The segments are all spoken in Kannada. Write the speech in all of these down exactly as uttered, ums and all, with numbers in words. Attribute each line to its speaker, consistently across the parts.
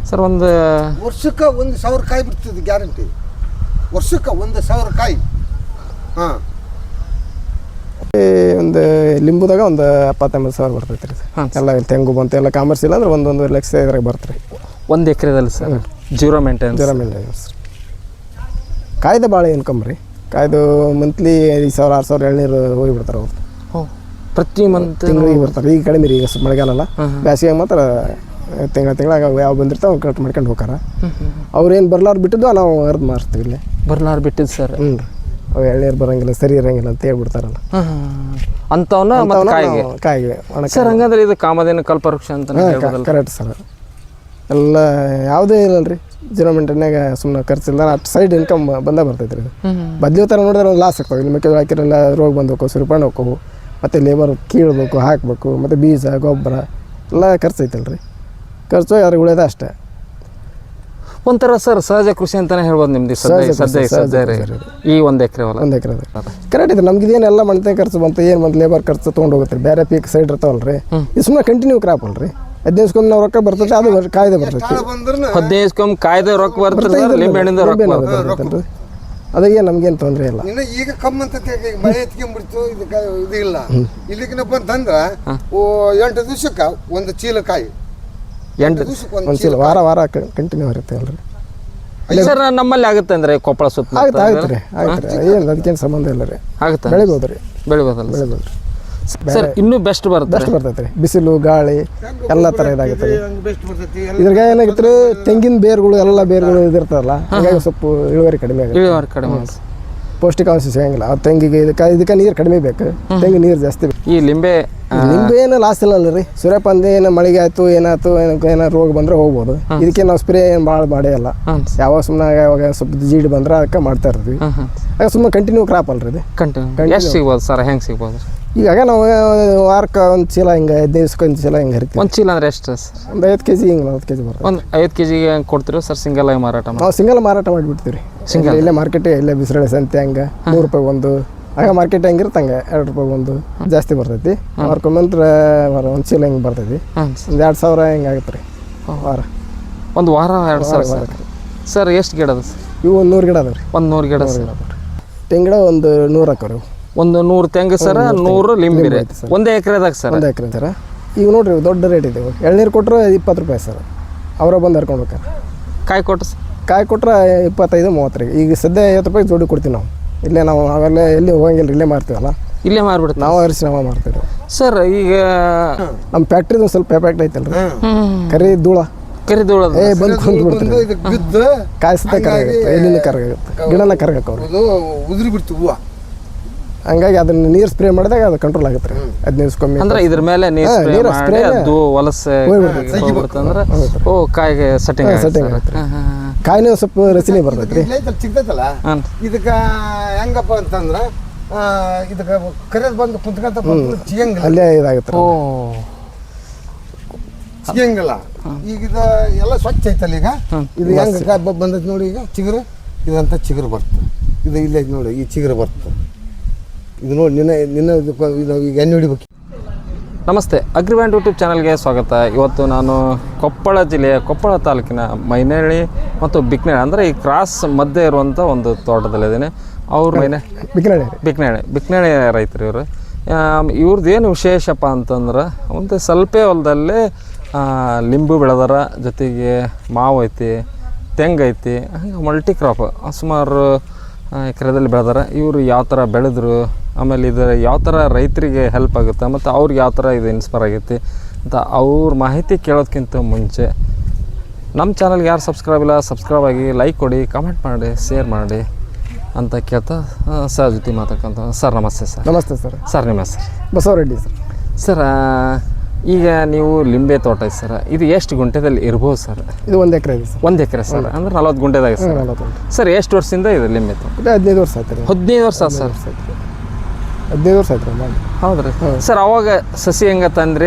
Speaker 1: ಸರ್ ಒಂದು
Speaker 2: ವರ್ಷಕ್ಕೆ ಒಂದು ಸಾವಿರ ಕಾಯಿ ಬಿಡ್ತದೆ ಗ್ಯಾರಂಟಿ. ವರ್ಷಕ್ಕೆ ಒಂದು ಸಾವಿರ ಕಾಯಿ. ಹಾಂ
Speaker 3: ಒಂದು ಲಿಂಬುದಾಗ ಒಂದು ಎಪ್ಪತ್ತೊಂಬತ್ತು ಸಾವಿರ ಬರ್ತೈತೆ ರೀ
Speaker 1: ಹಾಂ
Speaker 3: ಎಲ್ಲ ತೆಂಗು ಬಂತು ಎಲ್ಲ ಕಾಮರ್ಸ್ ಇಲ್ಲ ಅಂದ್ರೆ ಒಂದೊಂದು ಲಕ್ಷ ಇದ್ರಾಗ ಬರ್ತಾರೆ
Speaker 1: ಒಂದು ಎಕರೆದಲ್ಲಿ sir zero maintenance
Speaker 3: zero maintenance ರೀ. ಕಾಯ್ದೆ ಭಾಳ ಇನ್ಕಮ್ ರೀ. ಕಾಯ್ದು ಮಂತ್ಲಿ ಐದು ಸಾವಿರ ಆರು ಸಾವಿರ ಎಳ್ನೀರು ಹೋಗಿಬಿಡ್ತಾರೆ ಅವ್ರು.
Speaker 1: ಹೋ ಪ್ರತಿ ಮಂತ್
Speaker 3: ತಿಂಗಳಿಗೆ ಬರ್ತಾರೆ. ಈಗ ಕಡಿಮೆ ರೀ, ಈಗ ಮಳೆಗಾಲಲ್ಲ, ಬೇಸಿಗೆ ಮಾತ್ರ ತಿಂಗಳ ತಿಂಗಳಾಗ ಯಾವ ಬಂದಿರ್ತಾವೆ ಅವ್ನು ಕರೆಕ್ಟ್ ಮಾಡ್ಕೊಂಡು ಹೋಗಾರ. ಅವ್ರೇನು ಬರ್ಲಾರು ಬಿಟ್ಟಿದ್ದು ನಾವು ಅರ್ಧ ಮಾರ್ತೀವಿ ಇಲ್ಲೇ.
Speaker 1: ಬರ್ಲಾರು ಬಿಟ್ಟಿದ್ದು ಸರ್.
Speaker 3: ಹ್ಞೂ ರೀ, ಅವು ಎಳ್ನೀರು ಬರೋಂಗಿಲ್ಲ, ಸರಿ ಇರೋಂಗಿಲ್ಲ ಅಂತ ಹೇಳ್ಬಿಡ್ತಾರಲ್ಲ
Speaker 1: ಅಂಥವನ್ನ ಮತ್ತು ಕಾಯಿಗೆ
Speaker 3: ಕಾಯಿಗೆ
Speaker 1: ಸರ್. ಹಂಗಂದ್ರೆ ಇದು ಕಾಮಧೇನು ಕಲ್ಪವೃಕ್ಷ ಅಂತ
Speaker 3: ಕರೆಕ್ಟ್ ಸರ್. ಎಲ್ಲ ಯಾವುದೇ ಇಲ್ಲಲ್ಲ ರೀ, ಜೀರೋ ಮೆಂಟೆನ್ಯಾಗ ಸುಮ್ಮನೆ ಖರ್ಚಿಲ್ಲ, ಅಷ್ಟು ಸೈಡ್ ಇನ್ಕಮ್ ಬಂದೇ ಬರ್ತೈತೆ ರೀ. ಬದ್ಲಿ ಥರ ನೋಡಿದ್ರೆ ಒಂದು ಲಾಸ್ ಆಗ್ತಾವೆ. ಇಲ್ಲಿ ಮೆಕ್ಕೆಜೋಳ ಹಾಕಿರಲ್ಲ ರೋಗ ಬಂದೋಕು, ಸುರಿಪಣ್ಣು ಹೋಗ್ಬೇಕು, ಮತ್ತು ಲೇಬರ್ ಕೀಳ್ಬೇಕು, ಹಾಕಬೇಕು, ಮತ್ತು ಬೀಜ ಗೊಬ್ಬರ ಎಲ್ಲ ಖರ್ಚು ಐತಲ್ಲ ರೀ. ಖರ್ಚು ಅದ್ರಾಗ ಉಳಿಯೋದ ಅಷ್ಟೇ.
Speaker 1: ಒಂಥರ ಸರ್ ಸಹಜ ಕೃಷಿ ಅಂತಲೇ ಹೇಳ್ಬೋದು ನಿಮ್ದು ಸದ್ಯ ಸದ್ಯ ಸದ್ಯ ರೀ ಈ ಒಂದು ಎಕರೆ ಹೊಲ.
Speaker 3: ಒಂದು ಎಕರೆ ಕರೆಕ್ಟ್ ಇದೆ. ನಮ್ಗೆ ಇದೇನೆಲ್ಲ ಮಣ್ತೆ ಖರ್ಚು ಬಂತು, ಏನು ಬಂತು ಲೇಬರ್ ಖರ್ಚು ತೊಗೊಂಡು ಹೋಗುತ್ತೆ ರೀ. ಬೇರೆ ಪೀಕ್ ಸೈಡ್ ಇರ್ತಾವಲ್ಲ ರೀ, ಇದು ಸುಮ್ಮನೆ ಕಂಟಿನ್ಯೂ ಕ್ರಾಪ್ ಅಲ್ಲ ರೀ. ಹದಿನೈದು ನಾವು ರೊಕ್ಕ ಬರ್ತೈತೆ, ಅದು ಕಾಯ್ದೆ ಬರ್ತೈತಿ.
Speaker 1: ಹದಿನೈದು ಕಾಯ್ದೆ ರೊಕ್ಕ ಬರ್ತದೆ, ಲಿಂಬೆ ಹಣ್ಣಿಂದ ರೊಕ್ಕ
Speaker 3: ಬರ್ತೈತೆ. ಅದಾಗೆ ನಮ್ಗೇನು ತೊಂದರೆ ಇಲ್ಲ.
Speaker 2: ಇನ್ನು ಈಗ ಕಮ್ಮಿ ಅಂತ ಮಳೆ ಎತ್ಕೊಂಡ್ಬಿಡ್ತು, ಇದಕ್ಕೆ ಇದು ಇಲ್ಲ. ಇಲ್ಲಿಗಿನಪ್ಪ ಅಂತಂದ್ರೆ ಓ ಎಂಟು ದಿವ್ಸಕ್ಕೆ ಒಂದು ಚೀಲ ಕಾಯಿ,
Speaker 1: ಎಂಟು
Speaker 2: ದಿವ್ಸಕ್ಕೆ
Speaker 3: ಒಂದು ಚೀಲ ವಾರ ವಾರ ಕಂಟಿನ್ಯೂ ಇರುತ್ತೆ ಅಲ್ರಿ.
Speaker 1: ಸರ್ ನಮ್ಮಲ್ಲಿ ಆಗುತ್ತೆ ಅಂದ್ರೆ ಕೊಪ್ಪಳ ಸುತ್ತ
Speaker 3: ಆಗುತ್ತೆ ಆಗುತ್ತೆ ರೀ ಆಗುತ್ತೆ ರೀ. ಏನು ಅದಕ್ಕೇನು ಸಂಬಂಧ ಇಲ್ಲ ರೀ.
Speaker 1: ಆಗುತ್ತೆ,
Speaker 3: ಬೆಳಿಬೋದು ರೀ,
Speaker 1: ಬೆಳಿಬೋದಲ್ಲ
Speaker 3: ಬೆಳಿಬೋದು ರೀ.
Speaker 1: ಸರ್ ಇನ್ನೂ ಬೆಸ್ಟ್ ಬರುತ್ತೆ.
Speaker 3: ಬೆಸ್ಟ್ ಬರ್ತೈತೆ ರೀ. ಬಿಸಿಲು ಗಾಳಿ ಎಲ್ಲ ಥರ ಇದಾಗುತ್ತೆ ರೀ.
Speaker 2: ಬೆಸ್ಟ್ ಬರ್ತೈತಿ.
Speaker 3: ಇದ್ರಾಗ ಏನಾಗುತ್ತೆ ರೀ, ತೆಂಗಿನ ಬೇರುಗಳು ಎಲ್ಲ ಬೇರುಗಳು ಇದಿರ್ತಾವಲ್ಲ, ಹಾಗಾಗಿ ಸ್ವಲ್ಪ ಇಳುವರಿ ಕಡಿಮೆ ಆಗುತ್ತೆ.
Speaker 1: ಇಳುವರಿ ಕಡಿಮೆ,
Speaker 3: ಪೌಷ್ಟಿಕಾಂಶ ಸಿಗಂಗಿಲ್ಲ. ಆ ತೆಂಗಿಗೆ ಇದಕ್ಕೆ ಇದಕ್ಕೆ ನೀರು ಕಡಿಮೆ ಬೇಕು, ತೆಂಗಿನ ನೀರು ಜಾಸ್ತಿ ಬೇಕು.
Speaker 1: ಈ ಲಿಂಬೆ
Speaker 3: ನಿಂಬೆ ಏನು ಲಾಸ್ ಇಲ್ಲ ಅಲ್ಲ ರೀ. ಸೂರ್ಯಪಾನ ಏನು ಮಳೆಗೆ ಆಯ್ತು ಏನಾಯ್ತು ಏನೋ ರೋಗ ಬಂದ್ರೆ ಹೋಗ್ಬೋದು. ಇದಕ್ಕೆ ನಾವು ಸ್ಪ್ರೇ ಏನು ಭಾಳ ಮಾಡೇ ಇಲ್ಲ. ಯಾವಾಗ ಸುಮ್ಮನೆ ಯಾವಾಗ ಸ್ವಲ್ಪ ಜೀಡ್ ಬಂದ್ರೆ ಅದಕ್ಕೆ ಮಾಡ್ತಾ ಇರ್ತೀವಿ. ಆಗ ಸುಮ್ಮನೆ ಕಂಟಿನ್ಯೂ ಕ್ರಾಪ್ ಅಲ್ರಿ ಇದು.
Speaker 1: ಕಂಟಿನ್ಯೂ ಎಷ್ಟು ಸಿಗ್ಬೋದು ಸರ್? ಹೆಂಗೆ ಸಿಗ್ಬೋದು?
Speaker 3: ಈಗಾಗ ನಾವು ವಾರಕ್ಕೆ ಒಂದು ಚೀಲ ಹಿಂಗೆ ಹದಿನೈದು ದಿವ್ಸಕ್ಕೆ ಒಂದು ಚೀಲ ಹಿಂಗೆ ಹರಿತೀವಿ.
Speaker 1: ಒಂದು ಚೀಲ ಅಂದ್ರೆ ಎಷ್ಟು ಸರ್?
Speaker 3: ಒಂದು ಐದು ಕೆ ಜಿ ಹಿಂಗೆ ನಲ್ವತ್ತು ಕೆ ಜಿ ಬರ್ತದೆ.
Speaker 1: ಒಂದು ಐದು ಕೆ ಜಿಗೆ ಹೆಂಗೆ ಕೊಡ್ತೀರೋ ಸರ್? ಸಿಂಗಲ್ ಆಗಿ ಮಾರಾಟ ಮಾಡಿ?
Speaker 3: ನಾವು ಸಿಂಗಲ್ ಮಾರಾಟ ಮಾಡಿಬಿಡ್ತೀವಿ ರೀ. ಸಿಂಗಲ್ ಇಲ್ಲೇ ಮಾರ್ಕೆಟಿಗೆ, ಇಲ್ಲೇ ಬಿಸಿರಳೆ ಸಂತೆ ಹಂಗೆ ನೂರು ರೂಪಾಯಿ ಒಂದು, ಆಗ ಮಾರ್ಕೆಟ್ ಹೆಂಗಿರುತ್ತೆ ಹಂಗೆ ಎರಡು ರೂಪಾಯಿ ಒಂದು ಜಾಸ್ತಿ ಬರ್ತೈತಿ. ಮಾರ್ಕೊಂಬಂದ್ರೆ ಒಂದು ಚೀಲ ಹಿಂಗೆ ಬರ್ತೈತಿ. ಒಂದು ಎರಡು ಸಾವಿರ ಹಿಂಗೆ ಆಗುತ್ತೆ ರೀ ವಾರ.
Speaker 1: ಒಂದು ವಾರ ಎರಡು ಸಾವಿರ ಸರ್. ಎಷ್ಟು ಗಿಡ ಅದ ಸರ್
Speaker 3: ಇವು? ಒಂದು ನೂರು ಗಿಡ ಅದಾವೆ ರೀ.
Speaker 1: ಒಂದು ನೂರು ಗಿಡ ಸರ್.
Speaker 3: ತೆಂಗಿನ ಒಂದು ನೂರು ಹಾಕೋರಿ.
Speaker 1: ಒಂದು ನೂರು ತೆಂಗು ಸರ, ನೂರು ಲಿಂಬೆ ರೀ. ಒಂದೇ ಎಕರೆದಾಗ ಸರ್?
Speaker 3: ಒಂದು ಎಕರೆ ಸರ. ಈಗ ನೋಡ್ರಿ ದೊಡ್ಡ ರೇಟ್ ಇದೆ. ಎಳ್ನೀರು ಕೊಟ್ಟರೆ ಇಪ್ಪತ್ತು ರೂಪಾಯಿ ಸರ್, ಅವರ ಬಂದು ಹರ್ಕೊಂಡು ಹೋಗ್ತಾರೆ.
Speaker 1: ಕಾಯಿ ಕೊಟ್ಟು
Speaker 3: ಕಾಯಿ ಕೊಟ್ಟರೆ ಇಪ್ಪತ್ತೈದು ಮೂವತ್ತು ರೀ. ಈಗ ಸದ್ಯ ಐವತ್ತು ರೂಪಾಯಿ ಜೋಡಿ ಕೊಡ್ತೀವಿ ನಾವು. ಇಲ್ಲೇ ನಾವು ಅವೆಲ್ಲ ಎಲ್ಲಿ ಹೋಗಂಗಿಲ್ಲ, ಇಲ್ಲೇ ಮಾರ್ತೀವಲ್ಲ,
Speaker 1: ಇಲ್ಲೇ ಮಾರ್ಬಿಡ್ತೀವಿ
Speaker 3: ನಾವು ಅರಿಸಿ ನಾವು ಮಾರ್ತೀವಿ
Speaker 1: ಸರ್. ಈಗ
Speaker 3: ನಮ್ಮ ಫ್ಯಾಕ್ಟ್ರಿದು ಒಂದು ಸ್ವಲ್ಪ ಎಫೆಕ್ಟ್ ಐತಲ್ಲ ರೀ, ಕರಿ ಧೂಳ
Speaker 1: ಕರಿದೋಳದ
Speaker 3: ಏ ಬಂದು ಕುಂದ್ಬಿಡ್ತೀವಿ.
Speaker 2: ಇದಕ್ಕೆ ಬಿದ್ದು
Speaker 3: ಕಾಯಿ ಸತ್ತ ಕರಗಾಗುತ್ತೆ, ಎಲ್ಲಿಂದ ಕರಗಾಗುತ್ತೆ, ಗಿಡನ ಕರಗಕ್ಕೆ
Speaker 2: ಅದು ಉದುರಿ ಬಿಡ್ತು ಹೂವು.
Speaker 3: ಹಂಗಾಗಿ ಅದನ್ನ ನೀರು ಸ್ಪ್ರೇ ಮಾಡಿದಾಗ ಅದು ಕಂಟ್ರೋಲ್ ಆಗುತ್ತೆ ರೀ. ಹದಿನೈದು ಕಮ್ಮಿ
Speaker 1: ಅಂದ್ರೆ ಇದ್ರ ಮೇಲೆ ನೀರು ಸ್ಪ್ರೇ ಮಾಡಿ ಅದು ವಲಸೆ ಹೋಗ್ಬಿಡ್ತಂದ್ರೆ ಓ ಕಾಯಿಗೆ ಸೆಟ್ಟಿಂಗ್
Speaker 3: ಸೆಟ್ಟಿಂಗ್ ಆಗುತ್ತೆ. ಕಾಯಿನೂ ಸ್ವಲ್ಪ ರಚನೆ ಬರ್ತೈತೆ ರೀ.
Speaker 2: ಸಿಗ್ತೈತಲ್ಲ, ಇದಕ್ಕೆ ಹೆಂಗಪ್ಪ ಅಂತಂದ್ರೆ ಇದಕ್ಕೆ ಕರೆದು ಬಂದು ಕುಂತ್ಕೊಂತ ಸಿಗಂಗಿಲ್ಲ,
Speaker 3: ಅಲ್ಲೇ ಇದಾಗುತ್ತೆ.
Speaker 1: ಓ
Speaker 2: ಸಿಗಂಗಿಲ್ಲ. ಈಗ ಇದು ಎಲ್ಲ ಸ್ವಚ್ಛ ಐತಲ್ಲ. ಈಗ ಇದು ಹೆಂಗೆ ಬಂದೈತೆ ನೋಡಿ. ಈಗ ಚಿಗುರು ಇದಂತ ಚಿಗುರು ಬರ್ತದೆ. ಇದು ಇಲ್ಲೇ ನೋಡಿ, ಈ ಚಿಗುರು ಬರ್ತದೆ. ಇದು ನೋಡಿ ನಿನ್ನ ನಿನ್ನ ಇದು ಈಗ ಎಣ್ಣೆ ಹೊಡಿಬೇಕು.
Speaker 1: ನಮಸ್ತೆ, ಅಗ್ರಿಬ್ಯಾಂಡ್ ಯೂಟ್ಯೂಬ್ ಚಾನಲ್ಗೆ ಸ್ವಾಗತ. ಇವತ್ತು ನಾನು ಕೊಪ್ಪಳ ಜಿಲ್ಲೆಯ ಕೊಪ್ಪಳ ತಾಲೂಕಿನ ಮೈನಳ್ಳಿ ಮತ್ತು ಬಿಕ್ನಳ್ಳಿ ಅಂದರೆ ಈ ಕ್ರಾಸ್ ಮಧ್ಯೆ ಇರುವಂಥ ಒಂದು ತೋಟದಲ್ಲಿದ್ದೀನಿ. ಅವ್ರ ಮೈನೆ
Speaker 3: ಬಿಕ್ನಳ್ಳಿ
Speaker 1: ಬಿಕ್ನಳ್ಳಿ ಬಿಕ್ನಳ್ಳಿ ರೈತರು ಇವರು. ಇವ್ರದ್ದು ಏನು ವಿಶೇಷಪ್ಪ ಅಂತಂದ್ರೆ ಒಂದು ಸ್ವಲ್ಪ ಹೊಲದಲ್ಲೇ ಲಿಂಬು ಬೆಳೆದಾರ, ಜೊತೆಗೆ ಮಾವು ಐತಿ, ತೆಂಗು ಐತಿ, ಹಂಗೆ ಮಲ್ಟಿ ಕ್ರಾಪ್ ಸುಮಾರು ಎಕರೆದಲ್ಲಿ ಬೆಳೆದಾರ. ಇವರು ಯಾವ ಥರ ಬೆಳೆದ್ರು, ಆಮೇಲೆ ಇದು ಯಾವ ಥರ ರೈತರಿಗೆ ಹೆಲ್ಪ್ ಆಗುತ್ತೆ, ಮತ್ತು ಅವ್ರಿಗೆ ಯಾವ ಥರ ಇದು ಇನ್ಸ್ಪೈರ್ ಆಗೈತಿ ಅಂತ ಅವ್ರ ಮಾಹಿತಿ ಕೇಳೋದಕ್ಕಿಂತ ಮುಂಚೆ ನಮ್ಮ ಚಾನಲ್ಗೆ ಯಾರು ಸಬ್ಸ್ಕ್ರೈಬ್ ಇಲ್ಲ ಸಬ್ಸ್ಕ್ರೈಬ್ ಆಗಿ, ಲೈಕ್ ಕೊಡಿ, ಕಮೆಂಟ್ ಮಾಡಿ, ಶೇರ್ ಮಾಡಿ ಅಂತ ಕೇಳ್ತಾ ಸರ್ ಜೊತೆ ಮಾತಾಡ್ಕೊಂತ. Sir namaste sir.
Speaker 3: Namaste sir.
Speaker 1: Sir ನಿಮ್ಮ ಹೆಸರು?
Speaker 3: ಬಸವರೆಡ್ಡಿ ಸರ್.
Speaker 1: ಸರ್ ಈಗ ನೀವು ಲಿಂಬೆ ತೋಟ ಐತೆ ಸರ್, ಇದು ಎಷ್ಟು ಗುಂಟೆದಲ್ಲಿ ಇರ್ಬೋದು ಸರ್?
Speaker 3: ಇದು ಒಂದು ಎಕರೆ ಇದೆ ಸರ್.
Speaker 1: ಒಂದು ಎಕರೆ ಸರ್, ಅಂದ್ರೆ ನಲ್ವತ್ತು ಗುಂಟೆದಾಗ ಸರ್. ಸರ್ ಎಷ್ಟು ವರ್ಷದಿಂದ ಇದೆ ಲಿಂಬೆ ತೋಟ?
Speaker 3: ಇದು ಹದಿನೈದು ವರ್ಷ ಆಯ್ತು ರೀ.
Speaker 1: ಹದಿನೈದು ವರ್ಷ ಸರ್?
Speaker 3: ಹದಿನೈದು ವರ್ಷ ಆಯ್ತು ರೀ.
Speaker 1: ಹೌದ್ರಿ ಸರ್. ಅವಾಗ ಸಸಿ ಹೆಂಗೆ ತಂದ್ರಿ,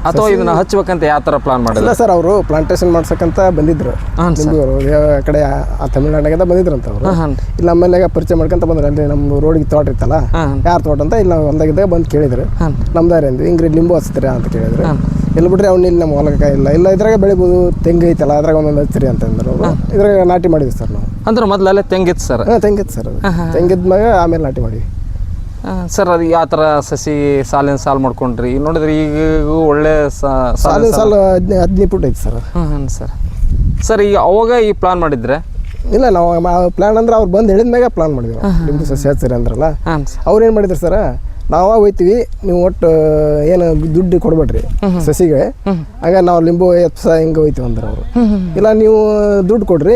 Speaker 1: ಅಥವಾ ಇದನ್ನ ಹಚ್ಬೇಕಂತ ಯಾವ ಥರ ಪ್ಲಾನ್ ಮಾಡಿಲ್ಲ?
Speaker 3: ಇಲ್ಲ ಸರ್, ಅವರು ಪ್ಲಾಂಟೇಶನ್ ಮಾಡ್ಸಕ್ಕಂತ ಬಂದಿದ್ರು ನಿಂಬೂರು ಆ ಕಡೆ ಆ ತಮಿಳ್ನಾಡಿಗೆ ಬಂದಿದ್ರಂತ ಅವರು. ಇಲ್ಲ ಆಮೇಲೆ ಪರಿಚಯ ಮಾಡ್ಕೊಂತ ಬಂದ್ರೆ ಅಲ್ಲಿ ನಮ್ಮ ರೋಡಿಗೆ ತೋಟ ಇತ್ತಲ್ಲ, ಯಾರು ತೋಟ ಅಂತ ಇಲ್ಲಿ ನಾವು ಹೊಲ್ದಾಗಿದ್ದಾಗ ಬಂದು ಕೇಳಿದ್ರು, ನಮ್ದಾರಿ ಅಂದ್ವಿ, ಹಿಂಗ್ರಿ ಲಿಂಬು ಹಚ್ತೀರಾ ಅಂತ ಕೇಳಿದ್ರು. ಎಲ್ಲಿ ಬಿಡ್ರಿ ಅವ್ನು ಇಲ್ಲಿ ನಮ್ಮ ಹೊಲಕ್ಕೆ ಇಲ್ಲ ಇಲ್ಲ ಇದ್ರಾಗ ಬೆಳಿಬೋದು, ತೆಂಗು ಐತಲ್ಲ ಅದ್ರಾಗ ಒಂದೊಂದು ಹಚ್ಚಿರಿ ಅಂತಂದ್ರು ಅವರು. ಇದ್ರಾಗ ನಾಟಿ ಮಾಡಿದ್ವಿ ಸರ್ ನಾವು.
Speaker 1: ಅಂದ್ರೆ ಮೊದಲಲ್ಲೇ ತೆಂಗಿತ್ತು ಸರ್?
Speaker 3: ಹಾಂ ತೆಂಗಿತ್ತು ಸರ್, ಅದು ತೆಂಗಿದ ಮ್ಯಾಗ ಆಮೇಲೆ ನಾಟಿ ಮಾಡಿವಿ
Speaker 1: ಸರ್. ಅದು ಯಾವ ಥರ ಸಸಿ ಸಾಲಿನ ಸಾಲು ಮಾಡ್ಕೊಂಡ್ರಿ? ಈಗ ನೋಡಿದ್ರೆ ಈಗ ಒಳ್ಳೆ
Speaker 3: ಸಾಲಿನ ಸಾಲು ಹದಿನೈದು ಹದಿನೈದು ಫುಟ್ ಐತಿ ಸರ್.
Speaker 1: ಹಾಂ ಹಾಂ ಸರ್. ಸರ್ ಈಗ ಅವಾಗ ಈ ಪ್ಲಾನ್ ಮಾಡಿದ್ರೆ?
Speaker 3: ಇಲ್ಲ ನಾವು ಪ್ಲಾನ್ ಅಂದ್ರೆ ಅವ್ರು ಬಂದು ಹೇಳಿದ ಮ್ಯಾಗ ಪ್ಲಾನ್ ಮಾಡಿದ್ವಿ. ನಿಮ್ಮದು ಸಸಿ ಹಚ್ಚಿರಿ ಅಂದ್ರಲ್ಲ, ಅವ್ರು ಏನು ಮಾಡಿದ್ರು ಸರ್, ನಾವು ಹೋಯ್ತೀವಿ, ನೀವು ಒಟ್ಟು ಏನು ದುಡ್ಡು ಕೊಡ್ಬೇಡ್ರಿ ಸಸಿಗೆ, ಆಗ ನಾವು ಲಿಂಬು ಎಪ್ಸ ಹಿಂಗೆ ಹೋಯ್ತೀವಿ ಅಂದ್ರೆ ಅವರು. ಇಲ್ಲ ನೀವು ದುಡ್ಡು ಕೊಡ್ರಿ,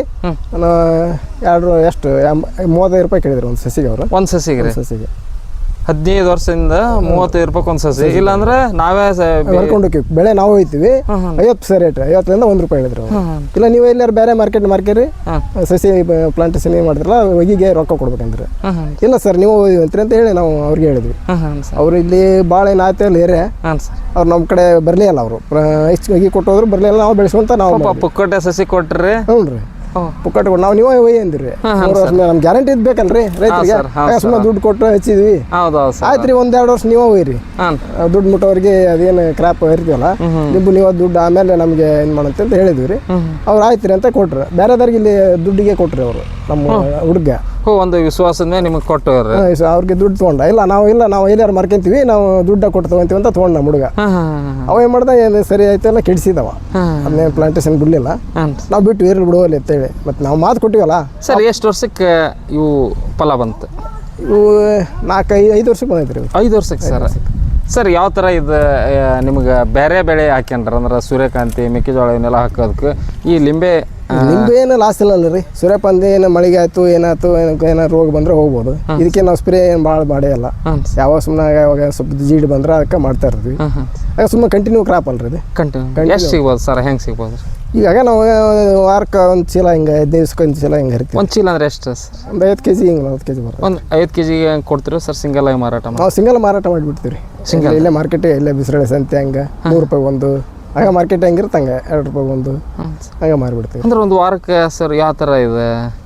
Speaker 3: ಎರಡು ಎಷ್ಟು ಮೂವತ್ತೈದು ರೂಪಾಯಿ ಕೇಳಿದ್ರು ಒಂದು ಸಸಿಗೆ ಅವರು.
Speaker 1: ಒಂದು ಸಸಿಗೆ
Speaker 3: ಸಸಿಗೆ
Speaker 1: ಹದಿನೈದು ವರ್ಷದಿಂದ ಮೂವತ್ತೈದು ರೂಪಾಯಿ ಒಂದು ಸಸಿ. ಇಲ್ಲಾಂದ್ರೆ ನಾವೇ
Speaker 3: ಬರ್ಕೊಂಡು ಹೋಗ್ತೀವಿ, ಬೆಳೆ ನಾವು ಹೋಯ್ತೀವಿ, ಐವತ್ತು ಸರ್ ರೇಟ್, ಐವತ್ತರಿಂದ ಒಂದು ರೂಪಾಯಿ ಹೇಳಿದ್ರು. ಇಲ್ಲ ನೀವು ಎಲ್ಲಾರು ಬೇರೆ ಮಾರ್ಕೆಟ್ ಮಾರ್ಕೇರಿ ಸಸಿ ಪ್ಲಾಂಟೇಶನ್ ಏನು ಮಾಡಿದ್ರಲ್ಲ ಹೊಗಿಗೆ ರೊಕ್ಕ ಕೊಡ್ಬೇಕಂದ್ರೆ, ಇಲ್ಲ ಸರ್ ನೀವು ಹೋಯ್ತೀರಿ ಅಂತ ಹೇಳಿ ನಾವು ಅವ್ರಿಗೆ ಹೇಳಿದ್ವಿ. ಅವ್ರು ಇಲ್ಲಿ ಭಾಳ ಏನು ಆಯ್ತು ಅಲ್ಲಿ ಏರಿಯಾ, ಅವ್ರು ನಮ್ಮ ಕಡೆ ಬರಲೇ ಇಲ್ಲ. ಅವರು ಎಷ್ಟು ಹೊಗಿ ಕೊಟ್ಟೋದ್ರು ಬರಲಿಲ್ಲ, ನಾವು ಬೆಳೆಸುವಂತ ನಾವು
Speaker 1: ಪುಕ್ಕಟೆ ಸಸಿ ಕೊಟ್ರಿ.
Speaker 3: ಹ್ಞೂ ರೀ, ಪುಕ್ಕಟ್ ಕೊಟ್ಟು ನಾವು ನೀವೇ ಒಯ್ಯಿ ಅಂದಿರಿ. ಮೂರು ವರ್ಷ ಮೇಲೆ ನಮ್ಗೆ ಗ್ಯಾರಂಟಿ ಇದು ಬೇಕಲ್ರಿ ರೈತರಿಗೆ, ಸುಮ್ಮನೆ ದುಡ್ಡು ಕೊಟ್ಟು ಹಚ್ಚಿದ್ವಿ. ಆಯ್ತು ರೀ, ಒಂದ್ ಎರಡು ವರ್ಷ ನೀವೇ ಒಯ್ಯಿರಿ, ದುಡ್ಡು ಮುಟ್ಟೋರಿಗೆ ಅದೇನು ಕ್ರಾಪ್ ಇರ್ತೀವಲ್ಲ ನಿಂಬು ನೀವು ದುಡ್ಡು ಆಮೇಲೆ ನಮ್ಗೆ ಏನು ಮಾಡಂತ ಅಂತ ಹೇಳಿದ್ವಿ ರೀ. ಅವ್ರು ಆಯ್ತು ರೀ ಅಂತ ಕೊಟ್ರು. ಬೇರೆದವ್ರಿಗೆ ಇಲ್ಲಿ ದುಡ್ಡಿಗೆ ಕೊಟ್ರಿ ಅವರು, ನಮ್ಮ ಹುಡುಗ
Speaker 1: ಒಂದು ವಿಶ್ವಾಸದ ಮೇಲೆ ನಿಮಗೆ ಕೊಟ್ಟು
Speaker 3: ಅವ್ರಿಗೆ ದುಡ್ಡು ತೊಗೊಂಡ. ಇಲ್ಲ ನಾವು ಇಲ್ಲ ನಾವು ಎಲ್ಲಾರು ಮಾರ್ಕೊಂತೀವಿ, ನಾವು ದುಡ್ಡ ಕೊಟ್ಟು ತೊಗೊಂತೀವಿ ಅಂತ ತೊಗೊಂಡ ನಮ್ಮ ಹುಡುಗ. ಅವ ಏನು ಮಾಡ್ದ, ಏನು ಸರಿ ಆಯ್ತು ಎಲ್ಲ ಕೆಡಿಸಿದವ, ಅದನ್ನೇನು ಪ್ಲಾಂಟೇಶನ್ ಬಿಡಲಿಲ್ಲ. ನಾವು ಬಿಟ್ಟು ಇರ್ಲಿ ಬಿಡುವಲ್ಲಿ ಅಂತೇಳಿ ಮತ್ತೆ ನಾವು ಮಾತು ಕೊಟ್ಟಿವಲ್ಲ.
Speaker 1: ಸರ್ ಎಷ್ಟು ವರ್ಷಕ್ಕೆ ಇವು ಫಲ ಬಂತು?
Speaker 3: ಇವು ನಾಲ್ಕು ಐದು ಐದು ವರ್ಷಕ್ಕೆ ಬಂದೈತೆ ರೀ.
Speaker 1: ಐದು ವರ್ಷಕ್ಕೆ ಸರ್. ಸರ್ ಯಾವ ಥರ ಇದು ನಿಮ್ಗೆ ಬೇರೆ ಬೆಳೆ ಹಾಕ್ಯಂಡ್ರ ಅಂದ್ರೆ ಸೂರ್ಯಕಾಂತಿ, ಮೆಕ್ಕೆಜೋಳ ಇವನ್ನೆಲ್ಲ ಹಾಕೋದಕ್ಕೆ ಈ ಲಿಂಬೆ
Speaker 3: ನಿಂಬೆ ಏನು ಲಾಸ್ ಇಲ್ಲ ರೀ. ಸೂರ್ಯಕಾಂತಿ ಏನು ಮಳೆಗೆ ಆಯ್ತು ಏನಾಯ್ತು ಏನೋ ರೋಗ ಬಂದ್ರೆ ಹೋಗ್ಬೋದು. ಇದಕ್ಕೆ ನಾವು ಸ್ಪ್ರೇ ಏನು ಭಾಳ ಮಾಡೇ ಇಲ್ಲ. ಯಾವಾಗ ಸುಮ್ಮನೆ ಯಾವಾಗ ಸ್ವಲ್ಪ ಜೀಡ್ ಬಂದ್ರೆ ಅದಕ್ಕೆ ಮಾಡ್ತಾ ಇರ್ತೀವಿ. ಆಗ ಸುಮ್ಮನೆ ಕಂಟಿನ್ಯೂ ಕ್ರಾಪ್ ಅಲ್ರಿ ಇದು.
Speaker 1: ಕಂಟಿನ್ಯೂ ಎಷ್ಟು ಸಿಗ್ಬೋದು ಸರ್? ಹೆಂಗೆ ಸಿಗ್ಬೋದು?
Speaker 3: ಈಗಾಗ ನಾವು ವಾರಕ್ಕೆ ಒಂದು ಚೀಲ ಹಿಂಗೆ ಹದಿನೈದು ದಿವ್ಸಕ್ಕೆ ಒಂದು ಚೀಲ ಹಿಂಗೆ ಹರಿತೀವಿ.
Speaker 1: ಒಂದು ಚೀಲ ಅಂದ್ರೆ ಎಷ್ಟು ಸರ್?
Speaker 3: ಒಂದು ಐವತ್ತು ಕೆ ಜಿ ಹಿಂಗೆ ನಲ್ವತ್ತು ಕೆ ಜಿ ಬರುತ್ತೆ.
Speaker 1: ಒಂದು ಐವತ್ತು ಕೆ ಜಿಗೆ ಹೆಂಗೆ ಕೊಡ್ತೀರಿ ಸರ್? ಸಿಂಗಲ್ ಆಗಿ ಮಾರಾಟ ಮಾಡಿ?
Speaker 3: ನಾವು ಸಿಂಗಲ್ ಮಾರಾಟ ಮಾಡಿಬಿಡ್ತೀವಿ ರೀ. ಸಿಂಗಲ್ ಇಲ್ಲೇ ಮಾರ್ಕೆಟಿಗೆ ಇಲ್ಲೇ ಬಿಸಿರಳೆ ಸಂತೆ ಹಂಗೆ ನೂರು ರೂಪಾಯಿ ಒಂದು, ಆಗ ಮಾರ್ಕೆಟ್ ಹೆಂಗಿರುತ್ತೆ ಹಂಗೆ ಎರಡು ರೂಪಾಯಿ ಒಂದು ಹಂಗೆ ಮಾರಿಬಿಡ್ತೀವಿ.
Speaker 1: ಅಂದ್ರೆ ಒಂದು ವಾರಕ್ಕೆ ಸರ್ ಯಾವ ಥರ ಇದೆ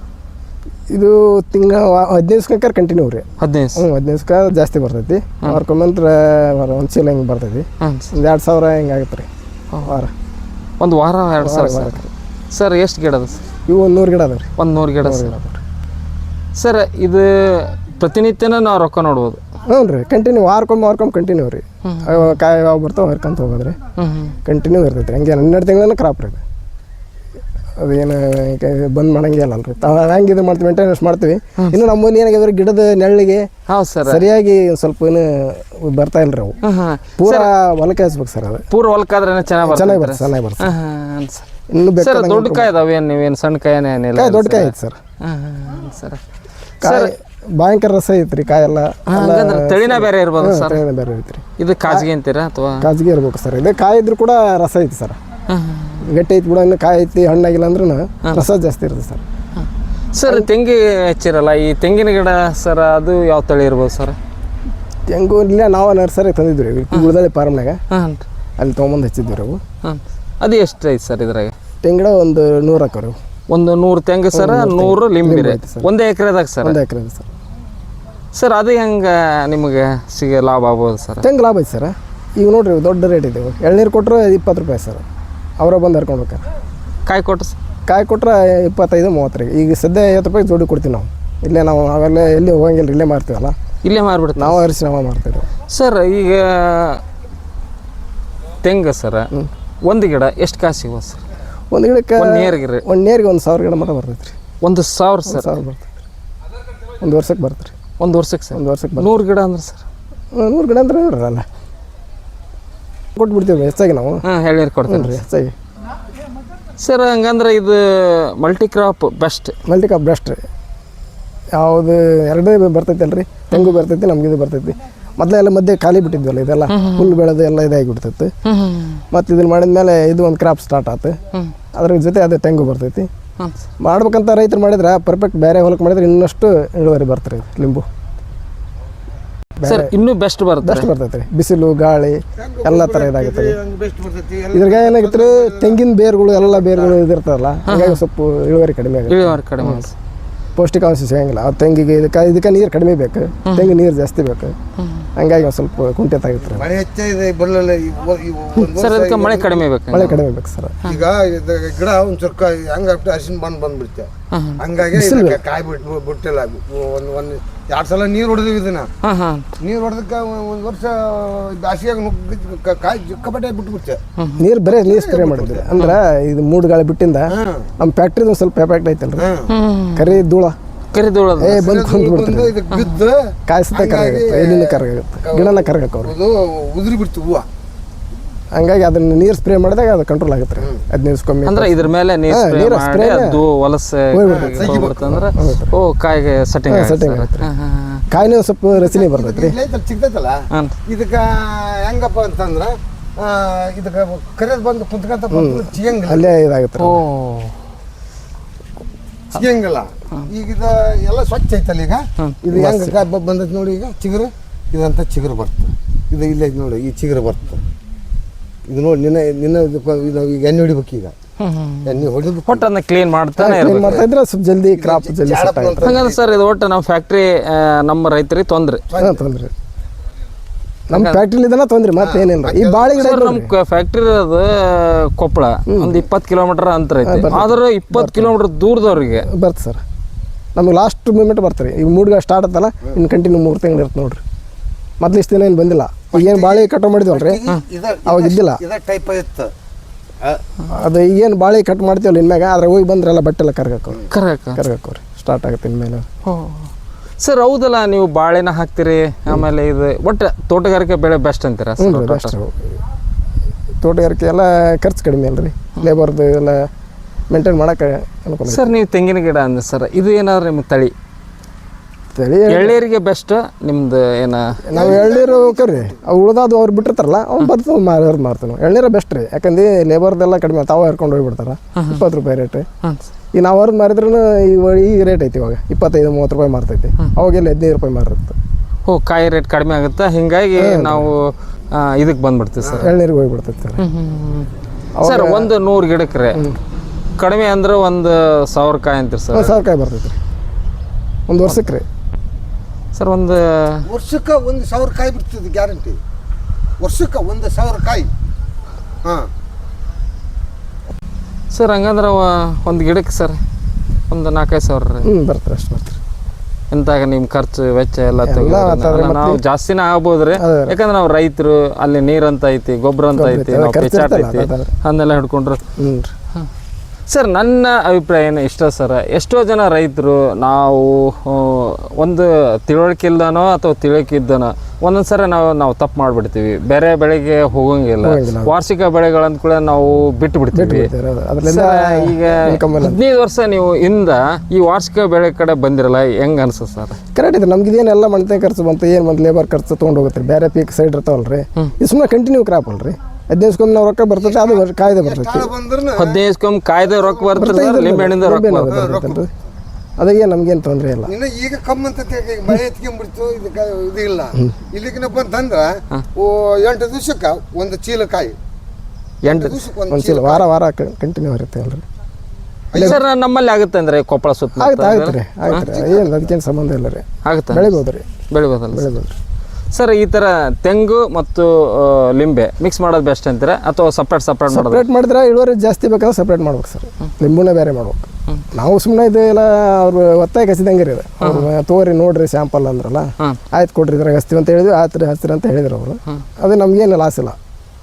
Speaker 3: ಇದು? ತಿಂಗಳ ಹದಿನೈದು ದಿವ್ಸಕ್ಕೆ ಕಂಟಿನ್ಯೂ ರೀ.
Speaker 1: ಹದಿನೈದು
Speaker 3: ಹ್ಞೂ ಹದಿನೈದು ದಿವ್ಸಕ್ಕೆ ಜಾಸ್ತಿ ಬರ್ತೈತಿ. ವಾರಕ್ಕೊಮ್ಮಂತ್ರ ಒಂದು ಚೀಲ ಹಿಂಗೆ ಬರ್ತೈತಿ. ಒಂದು ಎರಡು ಸಾವಿರ ಹಿಂಗೆ ಆಗುತ್ತೆ ರೀ ವಾರ.
Speaker 1: ಒಂದು ವಾರ ಎರಡು ಸಾವಿರ ಸರ್. ಎಷ್ಟು ಗಿಡ ಅದ ಸರ್
Speaker 3: ಇವು? ಒಂದು ನೂರು ಗಿಡ ಅದಾವೆ ರೀ.
Speaker 1: ಒಂದು ನೂರು ಗಿಡ ಸರ್. ಇದು ಪ್ರತಿನಿತ್ಯನ ನಾವು ರೊಕ್ಕ ನೋಡ್ಬೋದು?
Speaker 3: ಹ್ಞೂ ರೀ, ಕಂಟಿನ್ಯೂ ವಾರಕ್ಕೊಮ್ಮೆ ವಾರಕ್ಕೊಮ್ಮೆ ಕಂಟಿನ್ಯೂ ರೀ. ಕಾಯಿ ಯಾವ ಬರ್ತಾವೆ ಹರ್ಕೊಂತ ಹೋಗೋದ್ರಿ, ಕಂಟಿನ್ಯೂ ಇರ್ತೈತೆ ರೀ. ಹಂಗೆ ಹನ್ನೆರಡು ತಿಂಗಳನ್ನ ಕ್ರಾಪ್ ರೀ. ಅದೇನು ಬಂದ್ ಮಾಡಂಗಿಲ್ಲ ಅಲ್ರಿ, ತಾವು ಹೆಂಗೆ ಇದು ಮಾಡ್ತೀವಿ ಮೇಂಟೆನೆನ್ಸ್ ಮಾಡ್ತೀವಿ. ಇನ್ನು ನಮ್ಮಲ್ಲಿ ಏನಾಗಿದ್ರೆ ಗಿಡದ ನೆರಳಿಗೆ
Speaker 1: ಹೌದು ಸರ್
Speaker 3: ಸರಿಯಾಗಿ ಸ್ವಲ್ಪ ಏನು ಬರ್ತಾ ಇಲ್ರಿ ಅವು. ಪೂರಾ ಹೊಲಕ್ಕೆ ಹಚ್ಬೇಕು ಸರ್. ಅದು
Speaker 1: ಪೂರ ಹೊಲಕ್ಕಾದ್ರೆ ಚೆನ್ನಾಗಿ
Speaker 3: ಚೆನ್ನಾಗಿ ಬರ್ತದೆ, ಚೆನ್ನಾಗಿ ಬರ್ತದೆ.
Speaker 1: ಇನ್ನು ಬೇಕಾದ ದೊಡ್ಡ ಕಾಯಿ ಅದಾವೆ, ನೀವೇನು ಸಣ್ಣ ಕಾಯಿನೇ ಏನಿಲ್ಲ?
Speaker 3: ಕಾಯಿ ದೊಡ್ಡ ಕಾಯಿ ಐತೆ ಸರ್.
Speaker 1: ಸರ್
Speaker 3: ಕಾಯಿ ಭಯಂಕರ ರಸ ಐತ್ರಿ. ಕಾಯೆಲ್ಲ
Speaker 1: ತಳಿನ ಬೇರೆ ಇರ್ಬೋದು ಸರ್?
Speaker 3: ತಳಿನ ಬೇರೆ ಐತ್ರಿ.
Speaker 1: ಇದು ಕಾಜಿಗೆ ಅಂತೀರಾ ಅಥವಾ?
Speaker 3: ಕಾಜಿಗೆ ಇರ್ಬೇಕು ಸರ್. ಇದು ಕಾಯಿ ಇದ್ರು ಕೂಡ ರಸ ಐತಿ ಸರ್. ಗಟ್ಟಿ ಐತಿ ಬಿಡ, ಇನ್ನು ಕಾಯಿ ಐತಿ ಹಣ್ಣಾಗಿಲ್ಲ ಅಂದ್ರೂ ರಸ ಜಾಸ್ತಿ ಇರುತ್ತೆ ಸರ್.
Speaker 1: ಸರ್ ತೆಂಗಿ ಹಚ್ಚಿರಲ್ಲ, ಈ ತೆಂಗಿನ ಗಿಡ ಸರ್ ಅದು ಯಾವ ತಳಿ ಇರ್ಬೋದು ಸರ್?
Speaker 3: ತೆಂಗು ಇಲ್ಲ, ನಾವು ನರ್ಸರಿ ತಂದಿದ್ವಿ ರೀ ಗುಳದಳ್ಳಿ ಫಾರ್ಮ್ನಾಗ, ಅಲ್ಲಿ ತೊಗೊಂಬಂದು ಹಚ್ಚಿದ್ವಿ ರೀ ಅವು.
Speaker 1: ಅದು ಎಷ್ಟು ಐತೆ ಸರ್ ಇದ್ರಾಗ?
Speaker 3: ತೆಂಗಿಡ ಒಂದು ನೂರು ಹಾಕೋರಿ.
Speaker 1: ಒಂದು ನೂರು ತೆಂಗು ಸರ್, ನೂರು ಲಿಂಬಿ ಒಂದೇ ಎಕರೆದಾಗ ಸರ್?
Speaker 3: ಒಂದೇ ಎಕರೆ ಸರ್.
Speaker 1: ಸರ್ ಅದು ಹೆಂಗೆ ನಿಮಗೆ ಸಿಗ ಲಾಭ ಆಗ್ಬೋದು ಸರ್?
Speaker 3: ತೆಂಗು ಲಾಭ ಐತೆ ಸರ್. ಈಗ ನೋಡ್ರಿ ದೊಡ್ಡ ರೇಟ್ ಇದೆ. ಎಳ್ನೀರು ಕೊಟ್ಟರೆ ಇಪ್ಪತ್ತು ರೂಪಾಯಿ ಸರ್, ಅವರ ಬಂದು ಹರ್ಕೊಂಡು ಹೋಗ್ತಾರೆ.
Speaker 1: ಕಾಯಿ ಕೊಟ್ಟು
Speaker 3: ಕಾಯಿ ಕೊಟ್ಟರೆ ಇಪ್ಪತ್ತೈದು ಮೂವತ್ತರಿಗೆ. ಈಗ ಸದ್ಯ ಐವತ್ತು ರೂಪಾಯಿ ಜೋಡಿ ಕೊಡ್ತೀವಿ ನಾವು. ಇಲ್ಲೇ ನಾವು ಅವೆಲ್ಲ ಎಲ್ಲಿ ಹೋಗಂಗಿಲ್ಲ, ಇಲ್ಲೇ ಮಾರ್ತೀವಲ್ಲ,
Speaker 1: ಇಲ್ಲೇ ಮಾರ್ಬಿಡ್ತೀವಿ
Speaker 3: ನಾವು ಹರಿಸಿ ನಾವು ಮಾರ್ತೀವಿ
Speaker 1: ಸರ್. ಈಗ ತೆಂಗು ಸರ್ ಒಂದು ಗಿಡ ಎಷ್ಟು ಕಾಸು ಸಿಗ್ಬೋದು ಸರ್?
Speaker 3: ಒಂದು ಗಿಡಕ್ಕೆ
Speaker 1: ನೇರ್ಗಿರಿ
Speaker 3: ಒಂದು ನೇರಿಗೆ ಒಂದು ಸಾವಿರ ಗಿಡ ಮಟ್ಟ ಬರ್ತೈತೆ ರೀ.
Speaker 1: ಒಂದು ಸಾವಿರ ಸರ್?
Speaker 3: ಸಾವಿರ ಬರ್ತೈತೆ ರೀ. ಒಂದು ವರ್ಷಕ್ಕೆ ಬರ್ತದೆ ರೀ.
Speaker 1: ಒಂದು ವರ್ಷಕ್ಕೆ ಸರ್?
Speaker 3: ಒಂದು ವರ್ಷಕ್ಕೆ
Speaker 1: ನೂರು ಗಿಡ ಅಂದ್ರೆ ಸರ್?
Speaker 3: ನೂರು ಗಿಡ ಅಂದ್ರೆ ಇರಲ್ಲ, ಕೊಟ್ಬಿಡ್ತೀವಿ ಹೆಚ್ಚಾಗಿ ನಾವು.
Speaker 1: ಹಾಂ ಹೇಳಿರಿ ಕೊಡ್ತೀನಿ
Speaker 3: ರೀ ಹೆಚ್ಚಾಗಿ
Speaker 1: ಸರ್. ಹಂಗಂದ್ರೆ ಇದು multi crop best?
Speaker 3: Multi crop best ರೀ. ಯಾವುದು ಎರಡೇ ಬರ್ತೈತೆ ಅಲ್ರಿ, ತೆಂಗು ಬರ್ತೈತಿ, ನಮ್ಗೆ ಇದು ಬರ್ತೈತಿ. ಮೊದಲೆಲ್ಲ ಮಧ್ಯೆ ಖಾಲಿ ಬಿಟ್ಟಿದ್ವಲ್ಲ, ಇದೆಲ್ಲ ಹುಲ್ಲು ಬೆಳೆದು ಎಲ್ಲ ಇದಾಗಿ ಬಿಡ್ತೈತಿ. ಮತ್ತು ಇದನ್ನು ಮಾಡಿದ್ಮೇಲೆ ಇದು ಒಂದು ಕ್ರಾಪ್ ಸ್ಟಾರ್ಟ್ ಆಯ್ತು. ಅದ್ರ ಜೊತೆ ಅದು ತೆಂಗು ಬರ್ತೈತಿ. ಮಾಡ್ಬೇಕಂತ ರೈತರು ಮಾಡಿದ್ರೆ ಪರ್ಫೆಕ್ಟ್ ಬೇರೆ ಹೊಲಕ್ಕೆ ಮಾಡಿದ್ರೆ ಇನ್ನಷ್ಟು ಇಳುವರಿ ಬರ್ತಾರೆ ಲಿಂಬು.
Speaker 1: ಸರ್ ಇನ್ನೂ ಬೆಸ್ಟ್ ಬರುತ್ತೆ
Speaker 3: ಬೆಸ್ಟ್ ಬರ್ತೈತೆ ರೀ ಬಿಸಿಲು ಗಾಳಿ ಎಲ್ಲ ಥರ ಇದಾಗುತ್ತೆ ರೀ
Speaker 2: ಬೆಸ್ಟ್ ಬರ್ತೈತಿ
Speaker 3: ಇದ್ರಾಗ ಏನಾಗುತ್ತೆ ರೀ ತೆಂಗಿನ ಬೇರುಗಳು ಎಲ್ಲ ಬೇರುಗಳು ಇದಿರ್ತಾರಲ್ಲ ಹಾಗಾಗಿ ಸ್ವಲ್ಪ ಇಳುವರಿ ಕಡಿಮೆ ಆಗುತ್ತೆ
Speaker 1: ಇಳುವರಿ ಕಡಿಮೆ ಆಗುತ್ತೆ.
Speaker 3: ಪೌಷ್ಟಿಕಾಂಶ ಸಿಗಂಗಿಲ್ಲ ಆ ತೆಂಗಿಗೆ ಇದಕ್ಕೆ ಇದಕ್ಕೆ ನೀರು ಕಡಿಮೆ ಬೇಕು ತೆಂಗು ನೀರು ಜಾಸ್ತಿ ಬೇಕು ಹಂಗಾಗಿ ಒಂದು ಸ್ವಲ್ಪ ಕುಂಠಿತ ಆಗುತ್ತೆ ರೀ
Speaker 2: ಮಳೆ ಹೆಚ್ಚಾಗಿದೆ ಬರಲಿಲ್ಲ
Speaker 1: ಸರ್ ಅದಕ್ಕೆ ಮಳೆ ಕಡಿಮೆ ಬೇಕು
Speaker 3: ಮಳೆ ಕಡಿಮೆ ಬೇಕು ಸರ್
Speaker 2: ಈಗ ಇದು ಗಿಡ ಒಂದ್ ಚುರ್ಕ ಹಂಗಾಗ್ಬಿಟ್ಟು ಅರಿಶಿನ ಬಂದು ಬಂದ್ಬಿಡ್ತೆ ಹಂಗಾಗಿ ಇದಕ್ಕೆ ಕಾಯಿ ಬಿಟ್ಟು ಬಿಟ್ಟಿಲ್ಲ ಒಂದು ಒಂದು ಎರಡು ಸಲ ನೀರು ಹೊಡೆದಿವಿ ಇದನ್ನ
Speaker 1: ಹಾಂ ಹಾಂ
Speaker 2: ನೀರು ಹೊಡೆದಕ್ಕೆ ಒಂದು ವರ್ಷ ಬ್ಯಾಸಿಯಾಗ ನುಗ್ಗಿ ಕಾಯಿ ಚಿಕ್ಕಪಟ್ಟೆ ಬಿಟ್ಬಿಡ್ತೆ
Speaker 3: ನೀರು ಬರೀ ನೀರು ಸ್ಪ್ರೇ ಮಾಡಿದ್ರಿ ಅಂದ್ರೆ ಇದು ಮೂಡು ಗಾಳಿ ಬಿಟ್ಟಿಂದ ನಮ್ಮ ಫ್ಯಾಕ್ಟ್ರಿದು ಒಂದು ಸ್ವಲ್ಪ ಎಫೆಕ್ಟ್ ಐತಲ್ರಿ ಕರಿ ಧೂಳ
Speaker 1: ಕರಿದೋಳ
Speaker 3: ಏ ಬಂದು ಕುಂತ್ಬಿಡ್ತೀರಿ
Speaker 2: ಇದಕ್ಕೆ ಬಿದ್ದು
Speaker 3: ಕಾಯಿಸುತ್ತೆ ಕರಗಾಗುತ್ತೆ ಎಲ್ಲಿನ ಕರಗಾಗುತ್ತೆ ಗಿಡನ ಕರಗಕ್ಕೆ
Speaker 2: ಅದು ಉದುರಿ ಬಿಡ್ತು ಹೂವು
Speaker 3: ಹಂಗಾಗಿ ಅದನ್ನ ನೀರು ಸ್ಪ್ರೇ ಮಾಡಿದಾಗ ಅದು ಕಂಟ್ರೋಲ್ ಆಗುತ್ತೆ ರೀ ಹದಿನೈದು ದಿವಸಕ್ಕೊಮ್ಮೆ
Speaker 1: ಅಂದ್ರೆ ಇದ್ರ ಮೇಲೆ ನೀರು ಸ್ಪ್ರೇ
Speaker 3: ನೀರು
Speaker 1: ಮಾಡಿ
Speaker 3: spray
Speaker 1: ಅದು ವಲಸೆ ಹೋಗ್ಬಿಡ್ತಂದ್ರೆ ಓ ಕಾಯಿಗೆ ಸೆಟ್ಟಿಂಗ್
Speaker 3: setting
Speaker 1: ಆಗುತ್ತೆ
Speaker 3: ಕಾಯಿನೂ ಸ್ವಲ್ಪ ರಚನೆ ಬರ್ತೈತೆ ರೀ
Speaker 2: ಇಲ್ಲೈತಲ್ಲ ಸಿಗ್ತೈತಲ್ಲ
Speaker 1: ಹಾಂ
Speaker 2: ಇದಕ್ಕೆ ಹೆಂಗಪ್ಪ ಅಂತಂದ್ರೆ ಆ, ಇದಕ್ಕೆ ಕರೆದು ಬಂದು ಕುಂತ್ಕೊಂತ ಚಿಗಂಗಿಲ್ಲ
Speaker 3: ಅಲ್ಲೇ ಇದಾಗುತ್ತೆ
Speaker 1: ಓ
Speaker 3: ರೀ
Speaker 2: ಸಿಗಂಗಿಲ್ಲ ಈಗ ಇದು ಎಲ್ಲ ಸ್ವಚ್ಛ ಐತಲ್ಲ ಈಗ ಇದು ಹೆಂಗ ಕಾಯಿ ಬ- ಬಂದೈತಿ ನೋಡಿ ಈಗ ಚಿಗುರು ಇದಂತ ಚಿಗುರು ಬರ್ತದೆ ಇದು ಇಲ್ಲೇ ಐತಿ ನೋಡಿ ಈ ಚಿಗುರು ಬರ್ತದೆ ಇದು ನೋಡಿ ನಿನ್ನ ನಿನ್ನ ಇದಕ್ಕೆ ಇದು ಈಗ ಎಣ್ಣೆ ಹೊಡಿಬೇಕು ಈಗ ಎಣ್ಣೆ ಹೊಡಿದು
Speaker 1: ಒಟ್ಟು ಅದನ್ನ ಕ್ಲೀನ್ ಮಾಡ್ತಾನೆ
Speaker 3: ಕ್ಲೀನ್
Speaker 1: ಇರ್ಬೇಕು
Speaker 3: ಮಾಡ್ತಾ ಇದ್ರೆ ಸ್ವಲ್ಪ ಜಲ್ದಿ ಕ್ರಾಪ್ ಜಲ್ದಿ ಸೆಟ್ ಆಗುತ್ತೆ
Speaker 1: ಹಂಗಂದ್ರೆ ಸರ್ ಇದು ಒಟ್ಟು ನಮ್ಮ ಫ್ಯಾಕ್ಟ್ರಿ ನಮ್ಮ ರೈತರಿಗೆ ತೊಂದ್ರೆ
Speaker 3: ಹಾಂ ತೊಂದ್ರೆ ನಮ್ಮ ಫ್ಯಾಕ್ಟ್ರಿಲಿದನ ತೊಂದ್ರೆ ಮತ್ತೇನಿಲ್ಲ ಈ ಬಾಳೆ ಗಿಡ
Speaker 1: ಸರ್ ನಮ್ಮ ಫ್ಯಾಕ್ಟ್ರಿ ಇರೋದು ಕೊಪ್ಪಳ ಒಂದು ಇಪ್ಪತ್ತು ಕಿಲೋಮೀಟರ್ ಅಂತರ ಐತಿ ಆದ್ರೆ ಇಪ್ಪತ್ತು ಕಿಲೋಮೀಟರ್ ದೂರದವ್ರಿಗೆ
Speaker 3: ಬರ್ತದೆ ಸರ್ ನಮಗೆ ಲಾಸ್ಟ್ ಮೂಮೆಂಟ್ ಬರ್ತಾರೆ ಈಗ ಮೂಡ್ಗ ಸ್ಟಾರ್ಟ್ ಆತಲ್ಲ ಇನ್ನು ಕಂಟಿನ್ಯೂ ಮೂರು ತಿಂಗಳು ಇರುತ್ತೆ ನೋಡ್ರಿ ಮೊದ್ಲು ಇಷ್ಟು ದಿನ ಏನು ಬಂದಿಲ್ಲ ಏನು ಬಾಳೆ ಕಟ್ ಮಾಡಿದ್ವಲ್ರಿ ಅವಾಗ ಇದ್ದಿಲ್ಲ
Speaker 2: ಇದ ಟೈಪ್ ಇತ್ತು
Speaker 3: ಅದು ಈಗೇನು ಬಾಳೆ ಕಟ್ ಮಾಡ್ತೀವಲ್ಲ ಇನ್ಮ್ಯಾಗ ಅದ್ರ ಹೋಗಿ ಬಂದ್ರೆಲ್ಲ ಬಟ್ಟೆ ಎಲ್ಲ ಕರ್ಗಾಕವ್ರಿ
Speaker 1: ಕರೆಕ್ಟ್
Speaker 3: ಕರ್ಗಾಕವ್ರಿ ಸ್ಟಾರ್ಟ್ ಆಗುತ್ತೆ ಇನ್ಮೇಲೆ
Speaker 1: ಸರ್ ಹೌದಲ್ಲ ನೀವು ಬಾಳೆನ ಹಾಕ್ತೀರಿ ಆಮೇಲೆ ಇದು ಒಟ್ಟು ತೋಟಗಾರಿಕೆ ಬೆಳೆ ಬೆಸ್ಟ್ ಅಂತೀರಾ
Speaker 3: ಹ್ಞೂ
Speaker 1: ಸರ್
Speaker 3: ರೀ ಅಷ್ಟು ತೋಟಗಾರಿಕೆ ಎಲ್ಲ ಖರ್ಚು ಕಡಿಮೆ ಅಲ್ರಿ ಲೇಬರ್ದು ಎಲ್ಲ ಮೇಂಟೈನ್ ಮಾಡೋಕೆ ಅನುಕೂಲ
Speaker 1: ಸರ್ ನೀವು ತೆಂಗಿನ ಗಿಡ ಅಂದ ಸರ್ ಇದು ಏನಾದ್ರು ನಿಮ್ಮ ತಳಿ
Speaker 3: ತಳಿ
Speaker 1: ಎಳ್ನೀರಿಗೆ ಬೆಸ್ಟ್ ನಿಮ್ದು ಏನ
Speaker 3: ನಾವು ಎಳ್ನೀರು ಕರ್ರಿ ಅವು ಉಳ್ದಾದು ಅವ್ರು ಬಿಟ್ಟಿರ್ತಾರಲ್ಲ ಅವ್ನು ಬರ್ತದೆ ಮಾರೋರು ಮಾರ್ತೀವಿ ನಾವು ಎಳ್ನೀರ ಬೆಸ್ಟ್ ರೀ ಯಾಕಂದ್ರೆ ಲೇಬರ್ದೆಲ್ಲ ಕಡಿಮೆ ತಾವು ಹರ್ಕೊಂಡು ಹೋಗ್ಬಿಡ್ತಾರ ಇಪ್ಪತ್ತು ರೂಪಾಯಿ ರೇಟ್ ಈಗ ನಾವು ಅವ್ರದ್ದು ಮಾರಿದ್ರೂ ಈ ರೇಟ್ ಐತಿ ಇವಾಗ ಇಪ್ಪತ್ತೈದು ಮೂವತ್ತು ರೂಪಾಯಿ ಮಾರ್ತೈತಿ ಅವಾಗೆಲ್ಲ ಹದಿನೈದು ರೂಪಾಯಿ ಮಾರಿರುತ್ತೆ
Speaker 1: ಓ ಕಾಯಿ ರೇಟ್ ಕಡಿಮೆ ಆಗುತ್ತೆ ಹಿಂಗಾಗಿ ನಾವು ಇದಕ್ಕೆ ಬಂದ್ಬಿಡ್ತೀವಿ ಸರ್
Speaker 3: ಎಳ್ನೀರಿಗೆ ಹೋಗ್ಬಿಡ್ತೈತಿ ಸರ್
Speaker 1: ಸರ್ ಒಂದು ನೂರು ಗಿಡಕ್ಕೆ ರೀ ಕಡಿಮೆ ಅಂದ್ರೆ ಒಂದು ಸಾವಿರ ಕಾಯಿ ಅಂತೀರಿ ಸರ್
Speaker 3: ಒಂದು ಸಾವಿರ ಕಾಯಿ ಬರ್ತೈತಿ ರೀ ಒಂದು ವರ್ಷಕ್ಕೆ ರೀ
Speaker 1: ಸರ್ ಒಂದು
Speaker 2: ವರ್ಷಕ್ಕೆ ಒಂದು ಸಾವಿರ ಕಾಯಿ ಬಿಡ್ತದೆ ಗ್ಯಾರಂಟಿ ವರ್ಷಕ್ಕೆ ಒಂದು ಸಾವಿರ ಕಾಯಿ ಹಾಂ
Speaker 1: ಸರ್ ಹಂಗಂದ್ರೆ ಒಂದು ಗಿಡಕ್ಕೆ ಸರ್ ಒಂದು ನಾಲ್ಕೈದು ಸಾವಿರ ರೀ
Speaker 3: ಹ್ಞೂ ಬರ್ತಾರೆ ಅಷ್ಟು ಬರ್ತಾರೆ
Speaker 1: ಎಂತಾಗ ನಿಮ್ಮ ಖರ್ಚು ವೆಚ್ಚ ಎಲ್ಲ
Speaker 3: ಎಲ್ಲ
Speaker 1: ತೆಗೆದು
Speaker 3: ಮಾತಾಡ್ರಿ
Speaker 1: ಅಲ್ಲ, ನಾವು ಜಾಸ್ತಿನೇ ಆಗ್ಬೋದ್ರಿ
Speaker 3: ಅದೇ.
Speaker 1: ಯಾಕಂದ್ರೆ ನಾವು ರೈತರು ಅಲ್ಲಿ ನೀರಂತ ಐತಿ ಗೊಬ್ಬರ ಅಂತ ಐತಿ
Speaker 3: ಅದೇ
Speaker 1: ನಾವು
Speaker 3: ಖರ್ಚು
Speaker 1: ಪೆಚಾಟ
Speaker 3: ಇರ್ತಲ್ಲ,
Speaker 1: ಐತಿ
Speaker 3: ಅದೇ.
Speaker 1: ಅದನ್ನೆಲ್ಲ ಹಿಡ್ಕೊಂಡ್ರು
Speaker 3: ಹ್ಞೂ ರೀ
Speaker 1: ಸರ್ ನನ್ನ ಅಭಿಪ್ರಾಯ ಏನು ಇಷ್ಟ ಸರ್ ಎಷ್ಟೋ ಜನ ರೈತರು ನಾವು ಆ, ಒಂದು ತಿಳುವಳಿಕೆ ಇಲ್ದನೋ ಅಥವಾ ತಿಳುವಳಿಕೆ ಇದ್ದನೋ ಒಂದೊಂದು ಸರಿ ನಾವು ನಾವು ತಪ್ಪು ಮಾಡಿಬಿಡ್ತೀವಿ ಬೇರೆ ಬೆಳೆಗೆ ಹೋಗಂಗಿಲ್ಲ
Speaker 3: ಹೋಗಂಗಿಲ್ಲ.
Speaker 1: ವಾರ್ಷಿಕ ಬೆಳೆಗಳಂತ ಕೂಡ ನಾವು ಬಿಟ್ಟು ಬಿಡ್ತೀವಿ
Speaker 3: ಅದರಿಂದ
Speaker 1: ಸರ್, ಈಗ ಹದಿನೈದು ವರ್ಷ ನೀವು ಇಂದ ಈ ವಾರ್ಷಿಕ ಬೆಳೆ ಕಡೆ ಬಂದಿರಲ್ಲ ಹೆಂಗ್ ಅನ್ಸುತ್ತೆ ಸರ್
Speaker 3: ಕರೆಕ್ಟ್ ಇದೆ ನಮ್ಗೆ ಇದೇನೆಲ್ಲ ಮಣ್ತೆ ಖರ್ಚು ಬಂತು ಏನು ಬಂತು ಲೇಬರ್ ಖರ್ಚು ತೊಗೊಂಡು ಹೋಗುತ್ತೆ ರೀ ಬೇರೆ ಪೀಕ್ ಸೈಡ್ ಇರ್ತಾವಲ್ರಿ ಇದು ಸುಮ್ಮನೆ ಕಂಟಿನ್ಯೂ ಕ್ರಾಪ್ ಅಲ್ರಿ ಹದಿನೈದು ದಿವ್ಸಕ್ಕೊಮ್ಮೆ ನಾವು ರೊಕ್ಕ ಬರ್ತೈತೆ ಅದು ವರ್ಷ ಕಾಯ್ದೆ ಬರ್ತೈತಿ
Speaker 2: ಬಂದ್ರೆ
Speaker 1: ಹದಿನೈದು ಕಾಯ್ದೆ ರೊಕ್ಕ ಬರ್ತದೆ ಲಿಂಬೆ ಹಣ್ಣಿಂದ ರೊಕ್ಕ ಬರ್ತದೆ
Speaker 3: ಅದಾಗೆ ನಮಗೇನು ತೊಂದರೆ ಇಲ್ಲ
Speaker 2: ಇನ್ನು ಈಗ ಕಮ್ಮಿ ಅಂತ ತಿಳ್ಕ, ಈಗ ಮಳೆ ಎತ್ಕೊಂಡ್ಬಿಡ್ತು ಇದಕ್ಕೆ ಇದು ಇಲ್ಲ ಇಲ್ಲಿಗಿನಪ್ಪ ಅಂತಂದ್ರೆ ಓ ಎಂಟು ದಿವ್ಸಕ್ಕೆ ಒಂದು ಚೀಲ ಕಾಯಿ
Speaker 1: ಎಂಟು
Speaker 2: ದಿವ್ಸಕ್ಕೆ ಒಂದು
Speaker 3: ಒಂದು ಚೀಲ ವಾರ ವಾರ ಕಂಟಿನ್ಯೂ ಇರುತ್ತೆ ಅಲ್ರಿ
Speaker 1: ಸರ್ ನಮ್ಮಲ್ಲಿ ಆಗುತ್ತೆ ಅಂದ್ರೆ ಕೊಪ್ಪಳ ಸುತ್ತ
Speaker 3: ಆಗುತ್ತೆ ಆಗುತ್ತೆ ರೀ ಆಯ್ತು ರೀ ಏನು ಅದಕ್ಕೇನು ಸಂಬಂಧ ಇಲ್ಲ ರೀ
Speaker 1: ಆಗುತ್ತೆ
Speaker 3: ಬೆಳಿಬೋದು ರೀ
Speaker 1: ಬೆಳಿಬೋದಲ್ಲ
Speaker 3: ಬೆಳಿಬೋದು ರೀ
Speaker 1: ಸರ್ ಈ ಥರ ತೆಂಗು ಮತ್ತು ಆ, ಲಿಂಬೆ ಮಿಕ್ಸ್ ಮಾಡೋದು ಬೆಸ್ಟ್ ಅಂತೀರಾ ಅಥವಾ ಸಪ್ರೇಟ್ ಸಪ್ರೇಟ್ ಮಾಡೋದು
Speaker 3: ಸಪ್ರೇಟ್ ಮಾಡಿದ್ರೆ ಇಳುವರಿ ಜಾಸ್ತಿ ಬೇಕಂದ್ರೆ ಸಪ್ರೇಟ್ ಮಾಡ್ಬೇಕು ಸರ್ ಲಿಂಬುನೇ ಬೇರೆ ಮಾಡ್ಬೇಕು ನಾವು ಸುಮ್ಮನೆ ಇದು ಎಲ್ಲ ಅವ್ರು ಒತ್ತಾಯ ಕಸಿದಂಗೆ ರೀ ಇದು ಅವ್ರು ತೋರಿ ನೋಡ್ರಿ ಸ್ಯಾಂಪಲ್ ಅಂದ್ರಲ್ಲ ಆಯ್ತು ಕೊಡ್ರಿ ಇದ್ರಾಗ ಹಚ್ತೀವಿ ಅಂತ ಹೇಳಿದ್ವಿ ಆಯ್ತು ರೀ ಹಚ್ತೀರಿ ಅಂತ ಹೇಳಿದ್ರು ಅವರು ಅದು ನಮಗೇನು ಲಾಸ್ ಇಲ್ಲ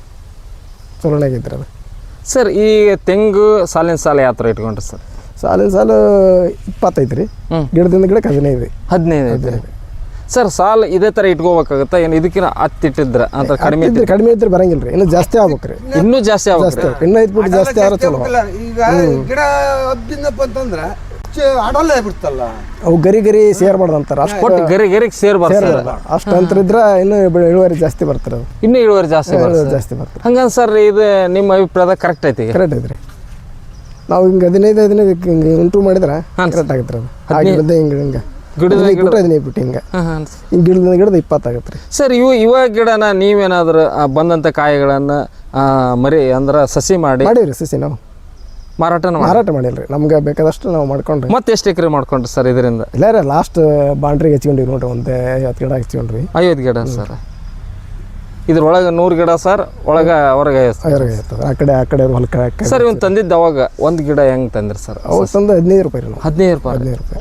Speaker 3: ಚಲೋನಾಗಿದ್ರಿ ಅದು
Speaker 1: ಸರ್ ಈ ತೆಂಗು ಸಾಲಿನ ಸಾಲ ಯಾವ ಥರ ಇಟ್ಕೊಂಡ್ರಿ ಸರ್
Speaker 3: ಸಾಲಿನ ಸಾಲು ಇಪ್ಪತ್ತೈದು ರೀ ಗಿಡದಿಂದ ಗಿಡಕ್ಕೆ ಹದಿನೈದು ರೀ
Speaker 1: ಹದಿನೈದು ಐತೆ ಸರ್ ಸಾಲ ಇದೇ ಥರ ಇಟ್ಕೋಬೇಕಾಗತ್ತಾ ಏನು ಇದಕ್ಕಿಂತ ಹತ್ತಿಟ್ಟಿದ್ರ ಅಂತ ಕಡಿಮೆ
Speaker 3: ಇದ್ರೆ ಕಡಿಮೆ ಇದ್ರೆ ಬರಂಗಿಲ್ಲ ರೀ ಇನ್ನು ಜಾಸ್ತಿ ಆಗ್ಬೇಕು ರೀ
Speaker 1: ಇನ್ನೂ ಜಾಸ್ತಿ
Speaker 3: ಜಾಸ್ತಿ
Speaker 1: ಆಗುತ್ತೆ
Speaker 3: ಆಗ್ಬೇಕು ಇನ್ನೂ ಐದು ಫುಟ್ ಜಾಸ್ತಿ ಆದ್ರೆ ಚಲೋ
Speaker 2: ಇಲ್ಲ, ಈಗ ಗಿಡ ಹಬ್ಬಿಂದಪ್ಪ ಅಂತಂದ್ರೆ ಅಡಲ್ಲ ಬಿಡ್ತಲ್ಲ
Speaker 3: ಅವು ಗರಿ ಗರಿ ಸೇರ್ಬಾರ್ದು ಅಂತಾರೆ ಅಷ್ಟು
Speaker 1: ಒಟ್ಟು ಗರಿ ಗರಿಗೆ ಸೇರ್ಬಾರ್ದು ಸರ್
Speaker 3: ಅಷ್ಟು ಅಂತರ ಇದ್ರೆ ಇನ್ನೂ ಬೆಳೆ- ಇಳುವರಿ ಜಾಸ್ತಿ ಬರ್ತಾರೆ ಅದು
Speaker 1: ಇನ್ನೂ ಇಳುವರಿ ಜಾಸ್ತಿ ಬರ್ತದೆ
Speaker 3: ಜಾಸ್ತಿ ಬರ್ತಾರೆ
Speaker 1: ಹಂಗಂದ್ರೆ ಸರ್ ಇದು ನಿಮ್ಮ ಅಭಿಪ್ರಾಯದಾಗ ಕರೆಕ್ಟ್ ಐತಿ ಈಗ?
Speaker 3: ಕರೆಕ್ಟ್ ಐತ್ರಿ ನಾವು ಹಿಂಗೆ ಹದಿನೈದು ಹದಿನೈದು ಹಿಂಗೆ ಇಂಟ್ರೂ ಮಾಡಿದ್ರೆ ಕರೆಕ್ಟ್ ಆಗುತ್ತೆ ಅದು ಆಗಿರೋದೇ ಹಿಂಗೆ ಹಿಂಗೆ
Speaker 1: ಗಿಡದ
Speaker 3: ಹದಿನೈದು ಬಿಟ್ರೆ ಹದಿನೈದು ಬಿಟ್ಟು ಹಿಂಗೆ
Speaker 1: ಹಾಂ ಹಾಂ
Speaker 3: ಹಿಂಗೆ ಗಿಡದ ಗಿಡದ ಇಪ್ಪತ್ತಾಗತ್ತೆ ರೀ.
Speaker 1: ಸರ್ ಇವು ಇವ ಗಿಡನ ನೀವೇನಾದರೂ ಬಂದಂಥ ಕಾಯಿಗಳನ್ನು ಮರಿ ಅಂದ್ರೆ ಸಸಿ ಮಾಡಿ
Speaker 3: ಮಾಡೀವಿ ಸಸಿ ನಾವು
Speaker 1: ಮಾರಾಟನ
Speaker 3: ಮಾರಾಟ ಮಾಡಿಲ್ಲ ರೀ. ನಮ್ಗೆ ಬೇಕಾದಷ್ಟು ನಾವು ಮಾಡ್ಕೊಂಡ್ರಿ.
Speaker 1: ಮತ್ತೆ ಎಷ್ಟು ಎಕರೆ ಮಾಡ್ಕೊಂಡ್ರಿ ಸರ್ ಇದರಿಂದ?
Speaker 3: ಇಲ್ಲ ರೀ ಲಾಸ್ಟ್ ಬಾಂಡ್ರಿಗೆ ಹಚ್ಕೊಂಡಿವಿ ನೋಡ್ರಿ, ಒಂದು ಐವತ್ತು ಗಿಡ ಹಚ್ಕೊಂಡ್ರಿ.
Speaker 1: ಐವತ್ತು ಗಿಡ ಸರ್. ಇದ್ರೊಳಗೆ ನೂರು ಗಿಡ ಸರ್, ಒಳಗೆ ಹೊರಗೆ
Speaker 3: ಹೊರಗೆ ಇರ್ತದೆ ಆ ಕಡೆ ಆ ಕಡೆ ಹೊಲಕ್ಕೆ.
Speaker 1: ಸರ್ ಇವ್ನು ತಂದಿದ್ದು ಅವಾಗ ಒಂದು ಗಿಡ ಹೆಂಗೆ ತಂದ್ರಿ ಸರ್?
Speaker 3: ಅವಾಗ ತಂದು ಹದಿನೈದು ರೂಪಾಯಿ ರೀ ನಾವು.
Speaker 1: ಹದಿನೈದು ರೂಪಾಯಿ
Speaker 3: ಹದಿನೈದು ರೂಪಾಯಿ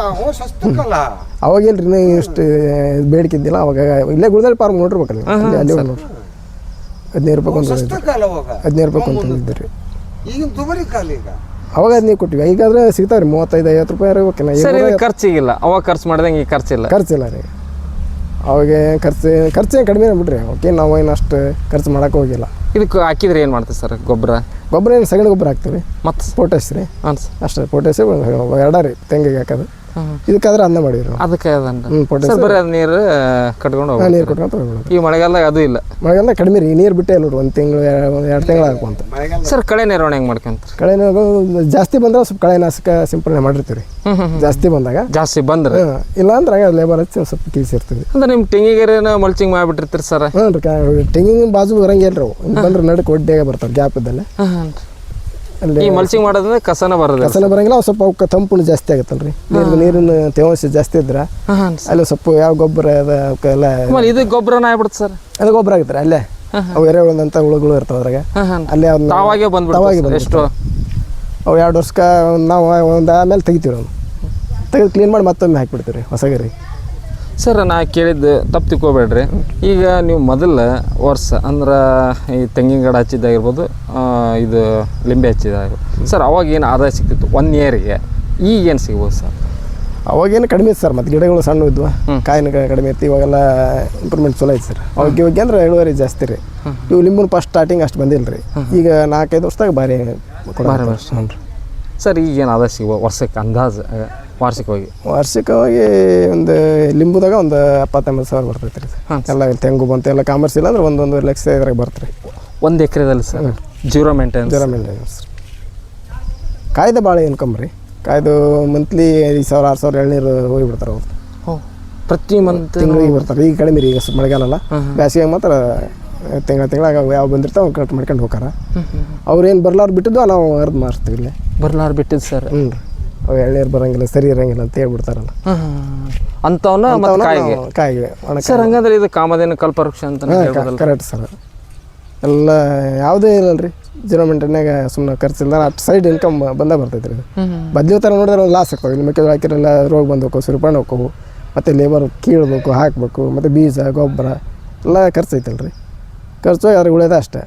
Speaker 2: ಅವಾಗ
Speaker 3: ಅವಾಗ ಇಲ್ರಿ ಇನ್ನೂ ಇಷ್ಟು ಬೇಡಿಕೆ ಇದ್ದಿಲ್ಲ ಅವಾಗ. ಇಲ್ಲೇ ಗುಳದಳ್ಳಿ ಪಾರ್ಕ್ ನೋಡಿರ್ಬೇಕಲ್ಲ ಅಲ್ಲಿ ಅಲ್ಲಿ ನೋಡ್ರಿ ಹದಿನೈದು ರೂಪಾಯಿ ಒಂದು ಹದಿನೈದು ರೂಪಾಯಿ ಒಂದು ತಂದಿದ್ದು ರೀ.
Speaker 2: ಈಗಿನ ದುಬಾರಿ ಕಾಲ ಈಗ.
Speaker 3: ಅವಾಗ ಹದಿನೈದು ಕೊಟ್ಟಿವಿ, ಈಗಾದ್ರೆ ಸಿಗ್ತಾವೆ ರೀ ಮೂವತ್ತೈದು ಐವತ್ತು ರೂಪಾಯಿ ಇರ್ಬೇಕೇನ.
Speaker 1: ಸರ್ ಇದು ಖರ್ಚಿಗಿಲ್ಲ, ಅವಾಗ ಖರ್ಚು ಮಾಡ್ದಂಗೆ ಈಗ ಖರ್ಚಿಲ್ಲ.
Speaker 3: ಖರ್ಚಿಲ್ಲ ರೀ ಅವಾಗ. ಖರ್ಚು ಖರ್ಚು ಏನು ಕಡಿಮೆ ಬಿಡ್ರಿ. ಓಕೆ ನಾವು ಏನು ಅಷ್ಟು ಖರ್ಚು ಮಾಡೋಕೆ ಹೋಗಿಲ್ಲ.
Speaker 1: ಇದಕ್ಕೆ ಹಾಕಿದ್ರೆ ಏನು ಮಾಡ್ತೀವಿ ಸರ್ ಗೊಬ್ಬರ?
Speaker 3: ಗೊಬ್ಬರ ಏನು ಸಗಣಿ ಗೊಬ್ಬರ ಹಾಕ್ತೀವಿ
Speaker 1: ಮತ್ತು
Speaker 3: ಪೊಟ್ಯಾಶ್ ರೀ.
Speaker 1: ಹಾಂ ಸರ್
Speaker 3: ಅಷ್ಟೇ ಪೊಟ್ಯಾಶ್ ಎರಡ ರೀ ತೆಂಗಿಗೆ ಹಾಕೋದು. ಇದಕ್ಕಾದ್ರೆ ಅನ್ನ ಮಾಡಿವಿ ನಾವು.
Speaker 1: ಅದಕ್ಕೆ ಅದನ್ನ
Speaker 3: ಹ್ಞೂ ಪೊಟ್ಯಾಶ್
Speaker 1: ಸರ್ ಬರೀ ಅದು ನೀರು ಕಟ್ಕೊಂಡು ಹೋಗಿ
Speaker 3: ನೀರು ಕೊಟ್ಕೊಂತ ಹೋಗ್ಬಿಡೋದು.
Speaker 1: ಈ ಮಳೆಗಾಲ ಅದು ಇಲ್ಲ.
Speaker 3: ಮಳೆಗಾಲ ಕಡಿಮೆ ರೀ, ನೀರು ಬಿಟ್ಟೇ ಇಲ್ಲ ನೋಡ್ರಿ. ಒಂದು ತಿಂಗಳು ಎರಡು ತಿಂಗಳು ಹಾಕುವಂತ.
Speaker 1: ಸರ್ ಕಳೆ ನಿರ್ವಹಣೆ ಹೆಂಗೆ ಮಾಡ್ಕೊಂತಾರೆ?
Speaker 3: ಕಳೆ ಜಾಸ್ತಿ ಬಂದ್ರೆ ಸ್ವಲ್ಪ ಕಳೆನಾಶಕ ಸಿಂಪಡಣೆ ಮಾಡಿರ್ತೀವಿ ರೀ. ಜಾಸ್ತಿ ಬಂದಾಗ
Speaker 1: ಜಾಸ್ತಿ ಬಂದ್ರೆ
Speaker 3: ಇಲ್ಲ ಅಂದ್ರೆ ಲೇಬರ್ ಹಚ್ಚಿ ಸ್ವಲ್ಪ ಕೀಸಿರ್ತೀವಿ.
Speaker 1: ಅಂದ್ರೆ ನಿಮ್ಮ ತೆಂಗಿಗೆರೆನ ಮಲ್ಚಿಂಗ್ ಮಾಡಿಬಿಟ್ಟಿರ್ತೀರಿ ಸರ್?
Speaker 3: ಹ್ಞೂ ರೀ ತೆಂಗಿನ ಬಾಜು ಬರಂಗಿಲ್ಲ ರೀ ಅವು. ಬಂದ್ರೆ ನಡಕ್ಕೆ ಒಡ್ಡಿಯಾಗ ಬರ್ತಾವೆ ಗ್ಯಾಪ್ ಇದ್ದಲ್ಲೇ.
Speaker 1: ಅಲ್ಲಿ ಈ ಮಲ್ಚಿಂಗ್ ಮಾಡೋದ್ರೆ ಕಸನ ಬರೋದು.
Speaker 3: ಕಸನ ಬರಂಗಿಲ್ಲ. ಅವು ಸ್ವಲ್ಪ ಅವಕ್ಕೆ ತಂಪು ಜಾಸ್ತಿ ಆಗುತ್ತಲ್ಲ ರೀ. ನೀರು ನೀರಿನ ತೇವಾಂಶ ಜಾಸ್ತಿ ಇದ್ರೆ ಅಲ್ಲಿ ಸ್ವಲ್ಪ ಯಾವ ಗೊಬ್ಬರ ಅದ ಅವಕ್ಕೆಲ್ಲ
Speaker 1: ಇದು ಗೊಬ್ಬರನ ಆಗ್ಬಿಡುತ್ತೆ ಸರ್.
Speaker 3: ಅದು ಗೊಬ್ಬರ ಆಗುತ್ತೆ ಅಲ್ಲೇ. ಅವು ಎರೆಹುಳದಂಥ ಹುಳುಗಳು ಇರ್ತಾವೆ ಅದ್ರಾಗ. ಅಲ್ಲೇ ಅವ್ನ
Speaker 1: ತಾವಾಗೆ ಬಂದ್ಬಿಟ್ಟು ಎಷ್ಟು
Speaker 3: ಅವು ಎರಡು ವರ್ಷಕ್ಕೆ ನಾವು ಒಂದು ಆಮೇಲೆ ತೆಗಿತೀವಿ ನಾವು. ತೆಗೆದು ಕ್ಲೀನ್ ಮಾಡಿ ಮತ್ತೊಮ್ಮೆ ಹಾಕಿಬಿಡ್ತೀವಿ ರೀ ಹೊಸಗರಿ.
Speaker 1: ಸರ್ ನಾ ಕೇಳಿದ್ದು ತಪ್ಪು ತಿಳ್ಕೊಬೇಡ್ರಿ. ಈಗ ನೀವು ಮೊದಲ ವರ್ಷ ಅಂದ್ರೆ ಈ ತೆಂಗಿನ ಗಿಡ ಹಚ್ಚಿದ್ದಾಗಿರ್ಬೋದು, ಇದು ಲಿಂಬೆ ಹಚ್ಚಿದ್ದಾಗಿರ್ಬೋದು ಸರ್, ಅವಾಗ ಏನು ಆದಾಯ ಸಿಗ್ತಿತ್ತು ಒನ್ ಇಯರಿಗೆ? ಈಗೇನು ಸಿಗ್ಬೋದು ಸರ್?
Speaker 3: ಅವಾಗೇನು ಕಡಿಮೆ ಇತ್ತು ಸರ್. ಮತ್ತು ಗಿಡಗಳು ಸಣ್ಣ ಇದ್ವು, ಕಾಯಿನ ಕಡಿಮೆ ಇತ್ತು. ಇವಾಗೆಲ್ಲ ಇಂಪ್ರೂವ್ಮೆಂಟ್ ಚಲೋ ಐತೆ ಸರ್. ಅವಾಗ ಇವಾಗ ಅಂದ್ರೆ ಇಳುವರಿ ಜಾಸ್ತಿ ರೀ. ಇವು ಲಿಂಬು ಫಸ್ಟ್ ಸ್ಟಾರ್ಟಿಂಗ್ ಅಷ್ಟು ಬಂದಿಲ್ಲ ರೀ. ಈಗ ನಾಲ್ಕೈದು ವರ್ಷದಾಗ ಭಾರಿ
Speaker 1: ಭಾರಿ ವರ್ಷ ಹ್ಞೂ ರೀ. ಸರ್ ಈಗೇನು ಆದಾಯ ಸಿಗ್ಬೋದು ವರ್ಷಕ್ಕೆ ಅಂದಾಜು ವಾರ್ಷಿಕವಾಗಿ?
Speaker 3: ವಾರ್ಷಿಕವಾಗಿ ಒಂದು ಲಿಂಬುದಾಗ ಒಂದು ಎಪ್ಪತ್ತೊಂಬತ್ತು ಸಾವಿರ ಬರ್ತೈತೆ ರೀ. ಎಲ್ಲ ತೆಂಗು ಬಂತು ಎಲ್ಲ ಕಾಮರ್ಸ್ ಇಲ್ಲ ಅಂದ್ರೆ ಒಂದು ಒಂದೂವರೆ ಲಕ್ಷ ಇದ್ರಾಗ ಬರ್ತಾರೆ
Speaker 1: ಒಂದು ಎಕರೆದಲ್ಲಿ sir. Zero maintenance?
Speaker 3: Zero maintenance ರೀ. ಕಾಯ್ದೆ ಭಾಳ ಇನ್ಕಮ್ ರೀ. ಕಾಯ್ದು ಮಂತ್ಲಿ ಐದು ಸಾವಿರ ಆರು ಸಾವಿರ ಎಳ್ನೀರು ಹೋಗಿಬಿಡ್ತಾರೆ ಅವ್ರು.
Speaker 1: ಪ್ರತಿ ಮಂತ್
Speaker 3: ತಿಂಗಳಿಗೆ ಬರ್ತಾರೆ. ಈಗ ಕಡಿಮೆ ರೀ, ಈಗ ಸ್ವಲ್ಪ ಮಳೆಗಾಲಲ್ಲ. ಬೇಸಿಗೆ ಮಾತ್ರ ತಿಂಗಳ ತಿಂಗಳಾಗ ಯಾವ ಬಂದಿರ್ತಾವೆ ಕಟ್ ಮಾಡ್ಕೊಂಡು ಹೋಗಾರ. ಅವ್ರೇನು ಬರ್ಲಾರು ಬಿಟ್ಟಿದ್ದು ನಾವು ಅರ್ದು ಮಾರ್ತೀವಿ ಇಲ್ಲೇ.
Speaker 1: ಬರ್ಲಾರು ಬಿಟ್ಟಿದ್ದು ಸರ್? ಹ್ಞೂ
Speaker 3: ರೀ. ಅವು ಎಳ್ನೀರು ಬರೋಂಗಿಲ್ಲ, ಸರಿ ಇರೋಂಗಿಲ್ಲ ಅಂತ ಹೇಳ್ಬಿಡ್ತಾರಲ್ಲ
Speaker 1: ಅಂಥವನ್ನ ಮತ್ತು ಕಾಯಿಗೆ
Speaker 3: ಕಾಯಿಗೆ
Speaker 1: ಸರ್. ಹಂಗಂದ್ರೆ ಇದು ಕಾಮಧೇನು ಕಲ್ಪವೃಕ್ಷ ಅಂತ
Speaker 3: ಕರೆಕ್ಟ್ ಸರ್. ಎಲ್ಲ ಯಾವುದೇ ಇಲ್ಲ ರೀ ಜೀರೋ ಮೇಂಟೈನ್ಯಾಗ. ಸುಮ್ಮನೆ ಖರ್ಚಿಲ್ಲ ಅಷ್ಟು ಸೈಡ್ ಇನ್ಕಮ್ ಬಂದ ಬರ್ತೈತೆ ರೀ. ಬದ್ಲಿ ಥರ ನೋಡಿದ್ರೆ ಒಂದು ಲಾಸ್ ಆಗ್ತಾವೆ. ನಿಮ್ಮ ಮೆಕ್ಕೆಜೋಳ ಹಾಕಿರಲ್ಲ ರೋಗ ಬಂದೋಕು, ಸುರಿಪಾಣ್ ಹೋಗ್ಬೇಕು, ಮತ್ತು ಲೇಬರ್ ಕೀಳ್ಬೇಕು, ಹಾಕಬೇಕು, ಮತ್ತು ಬೀಜ ಗೊಬ್ಬರ ಎಲ್ಲ ಖರ್ಚು ಐತಲ್ಲ ರೀ. ಖರ್ಚು ಅದ್ರಾಗ ಉಳಿಯೋದ ಅಷ್ಟೇ.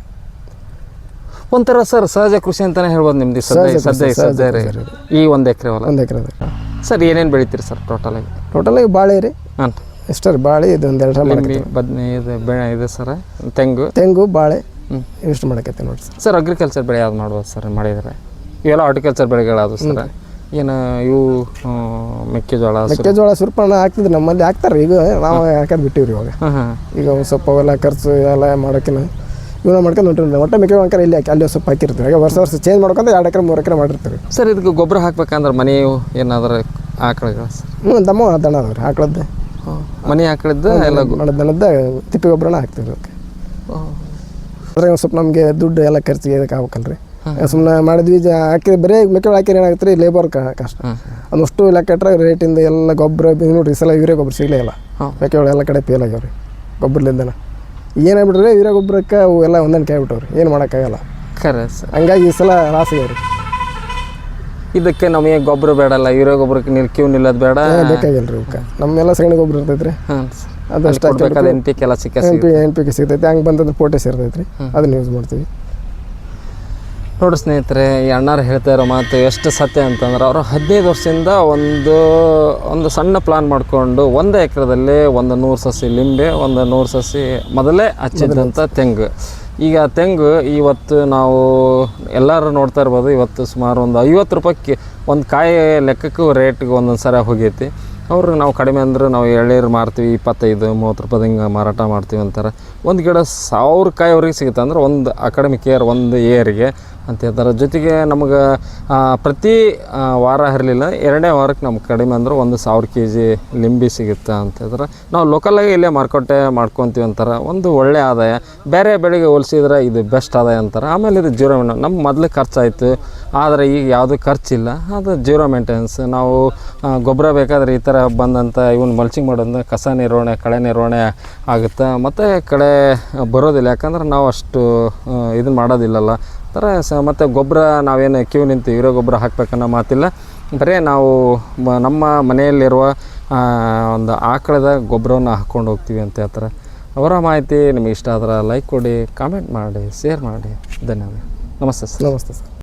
Speaker 1: ಒಂಥರ ಸರ್ ಸಹಜ ಕೃಷಿ ಅಂತಲೇ ಹೇಳ್ಬೋದು ನಿಮ್ದು ಸದ್ಯ ಸದ್ಯ ಸದ್ಯ ರೀ. ಈ ಒಂದು ಎಕರೆ ಹೊಲ
Speaker 3: ಒಂದು ಎಕರೆ
Speaker 1: ಸರ್ ಏನೇನು ಬೆಳಿತೀರಿ ಸರ್ ಟೋಟಲಾಗಿ?
Speaker 3: ಟೋಟಲಾಗಿ ಬಾಳೆ ರೀ.
Speaker 1: ಹಾಂ
Speaker 3: ಎಷ್ಟೇ ರೀ ಬಾಳೆ ಇದು ಒಂದು ಎರಡು
Speaker 1: ಲಿಂಬೆ ಬದನೆ ಇದು ಬೆಳೆ ಇದೆ ಸರ್. ತೆಂಗು
Speaker 3: ತೆಂಗು ಬಾಳೆ ಇಷ್ಟು ಮಾಡಕೈತೆ ನೋಡಿ ಸರ್.
Speaker 1: ಸರ್ ಅಗ್ರಿಕಲ್ಚರ್ ಬೆಳೆ ಯಾವ್ದು ಮಾಡ್ಬೋದು ಸರ್ ಮಾಡಿದರೆ? ಇವೆಲ್ಲ ಹಾರ್ಟಿಕಲ್ಚರ್ ಬೆಳೆಗಳಾದವು ಸರ್. ಏನು ಇವು ಮೆಕ್ಕೆಜೋಳ
Speaker 3: ಮೆಕ್ಕೆಜೋಳ ಸುರ್ಪಣ್ಣ ಹಾಕ್ತಿದ್ರು ನಮ್ಮಲ್ಲಿ ಹಾಕ್ತಾರೆ. ಈಗ ನಾವು ಹಾಕೋದು ಬಿಟ್ಟಿವ್ರಿ ಇವಾಗ. ಈಗ ಒಂದು ಸ್ವಲ್ಪ ಅವೆಲ್ಲ ಖರ್ಚು ಎಲ್ಲ ಮಾಡೋಕ್ಕಿನ ಇವನ್ನ ಮಾಡ್ಕೊಂಡು ಹೊಂಟಿರ್ತೀವಿ. ಒಟ್ಟು ಮೆಕ್ಕೆಜೋಳ ಹಾಕಿ ಇಲ್ಲಿ ಹಾಕಿ ಅಲ್ಲಿ ಸ್ವಲ್ಪ ಹಾಕಿರ್ತೀವಿ. ಈಗ ವರ್ಷ ವರ್ಷ ಚೇಂಜ್ ಮಾಡ್ಕೊಂತ ಎರಡು ಎಕರೆ ಮೂರು ಎಕರೆ ಮಾಡಿರ್ತೀವಿ
Speaker 1: ಸರ್. ಇದಕ್ಕೆ ಗೊಬ್ಬರ ಹಾಕ್ಬೇಕಂದ್ರೆ ಮನೆ ಏನಾದ್ರು ಆಕಳಗಳು ಸರ್?
Speaker 3: ಹ್ಞೂ ದಮ್ಮ ದನ ಅದಾವ್ರಿ ಆಕಳದ್ದು.
Speaker 1: ಮನೆ ಆಕಳದ್ದು ಎಲ್ಲ
Speaker 3: ದನದ ತಿಪ್ಪಿ ಗೊಬ್ಬರನ ಹಾಕ್ತೀವಿ ಅದಕ್ಕೆ. ಅದ್ರಾಗ ಒಂದು ಸ್ವಲ್ಪ ನಮಗೆ ದುಡ್ಡು ಎಲ್ಲ ಖರ್ಚಿಗೆ ಇದಕ್ಕೆ ಆಗ್ಬೇಕಲ್ರಿ. ಸುಮ್ಮನೆ ಮಾಡಿದ್ವಿ ಹಾಕಿ ಬರೀ ಮೆಕ್ಕೆಜೋಳ ಹಾಕಿ ಏನಾಗುತ್ತೆ ರೀ, ಲೇಬರ್ ಕಷ್ಟ. ಅದಷ್ಟು ಲೆಕ್ಕ ಇಟ್ಟರೆ ರೇಟಿಂದ ಎಲ್ಲ ಗೊಬ್ಬರ ನೋಡಿರಿ ಸಲ ಯೂರಿಯಾ ಗೊಬ್ಬರ ಸಿಗಲೇ ಇಲ್ಲ. ಮೆಕ್ಕೆಜೋಳ ಎಲ್ಲ ಕಡೆ ಫೇಲ್ ಆಗ್ಯಾವ ರೀ ಗೊಬ್ಬರಲಿಂದನ. ಏನಾಗ್ಬಿಟ್ರೆ ಯೂರಿಯಾ ಗೊಬ್ಬರಕ್ಕೆ ಅವು ಎಲ್ಲ ಹೊಂದಾಣಿಕೆ ಆಗ್ಬಿಟ್ಟವ್ರಿ, ಏನು ಮಾಡೋಕ್ಕಾಗಲ್ಲ.
Speaker 1: ಖರೆ ಸರ್.
Speaker 3: ಹಂಗಾಗಿ ಈ ಸಲ ಲಾಸ್ ಆಗ್ಯಾವ ರೀ.
Speaker 1: ಇದಕ್ಕೆ ನಮಗೆ ಗೊಬ್ಬರ ಬೇಡಲ್ಲ, ಯೂರಿಯಾ ಗೊಬ್ಬರಕ್ಕೆ ನೀರು ಕ್ಯೂ ನಿಲ್ಲೋದು ಬೇಡ,
Speaker 3: ಬೇಕಾಗಿಲ್ಲ ರೀ. ಇವಕ್ಕೆ ನಮ್ಮೆಲ್ಲ ಸಗಣಿ ಗೊಬ್ಬರ ಇರ್ತೈತೆ ರೀ.
Speaker 1: ಹಾಂ
Speaker 3: ಅದು ಅಷ್ಟು
Speaker 1: ಎನ್ ಪಿ ಕೆ ಎಲ್ಲ ಸಿಕ್ಕ
Speaker 3: N P N P K ಸಿಗ್ತೈತೆ. ಹಂಗೆ ಬಂದಂದ್ರೆ ಪೊಟ್ಯಾಶ್ ಇರ್ತೈತೆ ರೀ, ಅದನ್ನ ಯೂಸ್ ಮಾಡ್ತೀವಿ.
Speaker 1: ನೋಡಿ ಸ್ನೇಹಿತರೆ, ಈ ಅಣ್ಣಾರು ಹೇಳ್ತಾ ಇರೋ ಮಾತು ಎಷ್ಟು ಸತ್ಯ ಅಂತಂದ್ರೆ, ಅವರು ಹದಿನೈದು ವರ್ಷದಿಂದ ಒಂದು ಒಂದು ಸಣ್ಣ ಪ್ಲಾನ್ ಮಾಡಿಕೊಂಡು ಒಂದು ಎಕರೆದಲ್ಲಿ ಒಂದು ನೂರು ಸಸಿ ಲಿಂಬೆ, ಒಂದು ನೂರು ಸಸಿ ಮೊದಲೇ ಹಚ್ಚಿದಂಥ ತೆಂಗು. ಈಗ ತೆಂಗು ಇವತ್ತು ನಾವು ಎಲ್ಲರೂ ನೋಡ್ತಾ ಇರ್ಬೋದು, ಇವತ್ತು ಸುಮಾರು ಒಂದು ಐವತ್ತು ರೂಪಾಯಿ ಒಂದು ಕಾಯಿ ಲೆಕ್ಕಕ್ಕೂ ರೇಟ್ಗೆ ಒಂದೊಂದು ಸರಿ ಹೋಗೈತಿ. ಅವ್ರಿಗೆ ನಾವು ಕಡಿಮೆ ಅಂದ್ರೆ ನಾವು ಎಳ್ನೀರು ಮಾರ್ತೀವಿ ಇಪ್ಪತ್ತೈದು ಮೂವತ್ತು ರೂಪಾಯಿ ಹಿಂಗೆ ಮಾರಾಟ ಮಾಡ್ತೀವಿ ಅಂತಾರೆ. ಒಂದು ಗಿಡ ಸಾವಿರ ಕಾಯಿ ಅವ್ರಿಗೆ ಸಿಗುತ್ತೆ ಅಂದ್ರೆ ಒಂದು ಅಕಾಡೆಮಿಕ್ ಇಯರ್ ಒಂದು ಇಯರಿಗೆ ಅಂತ ಹೇಳ್ತಾರೆ. ಜೊತೆಗೆ ನಮಗೆ ಪ್ರತಿ ಆ, ವಾರ ಇರಲಿಲ್ಲ, ಎರಡನೇ ವಾರಕ್ಕೆ ನಮ್ಗೆ ಕಡಿಮೆ ಅಂದ್ರೆ ಒಂದು ಸಾವಿರ ಕೆ ಜಿ ಲಿಂಬಿ ಸಿಗುತ್ತೆ ಅಂತ ಹೇಳಿದ್ರೆ ನಾವು ಲೋಕಲಾಗಿ ಇಲ್ಲೇ ಮಾರುಕಟ್ಟೆ ಮಾಡ್ಕೊತೀವಿ ಅಂತಾರೆ. ಒಂದು ಒಳ್ಳೆಯ ಆದಾಯ, ಬೇರೆ ಬೆಳೆಗೆ ಹೋಲಿಸಿದ್ರೆ ಇದು ಬೆಸ್ಟ್ ಆದಾಯ ಅಂತಾರೆ. ಆಮೇಲೆ ಇದು ಜೀರೋ ಮೇಂಟೆನ್, ನಮ್ಮ ಮೊದಲು ಖರ್ಚಾಯಿತು ಆದರೆ ಈಗ ಯಾವುದೂ ಖರ್ಚಿಲ್ಲ, ಅದು ಜೀರೋ ಮೇಂಟೆನೆನ್ಸ್. ನಾವು ಆ, ಗೊಬ್ಬರ ಬೇಕಾದರೆ ಈ ಥರ ಬಂದಂಥ ಇವನ್ ಮಲ್ಚಿಂಗ್ ಮಾಡೋದ್ರಿಂದ ಕಸ ನಿರ್ವಹಣೆ, ಕಳೆ ನಿರ್ವಹಣೆ ಆಗುತ್ತೆ, ಮತ್ತು ಕಳೆ ಬರೋದಿಲ್ಲ. ಯಾಕಂದ್ರೆ ನಾವು ಅಷ್ಟು ಇದನ್ನು ಮಾಡೋದಿಲ್ಲಲ್ಲ ಥರ ಸ ಮತ್ತು ಗೊಬ್ಬರ ನಾವೇನು ಕ್ಯೂ ನಿಂತು ಇರೋ ಗೊಬ್ಬರ ಹಾಕ್ಬೇಕನ್ನೋ ಮಾತಿಲ್ಲ. ಬರೀ ನಾವು ಮ ನಮ್ಮ ಮನೆಯಲ್ಲಿರುವ ಒಂದು ಆಕಳದ ಗೊಬ್ಬರವನ್ನು ಹಾಕ್ಕೊಂಡು ಹೋಗ್ತೀವಿ ಅಂತ ಹೇಳ್ತಾರೆ. ಅವರ ಮಾಹಿತಿ ನಿಮಗೆ ಇಷ್ಟ ಆದ್ರೆ ಲೈಕ್ ಕೊಡಿ, ಕಾಮೆಂಟ್ ಮಾಡಿ, ಶೇರ್ ಮಾಡಿ. ಧನ್ಯವಾದ. ನಮಸ್ತೆ ಸರ್.
Speaker 3: ನಮಸ್ತೆ ಸರ್.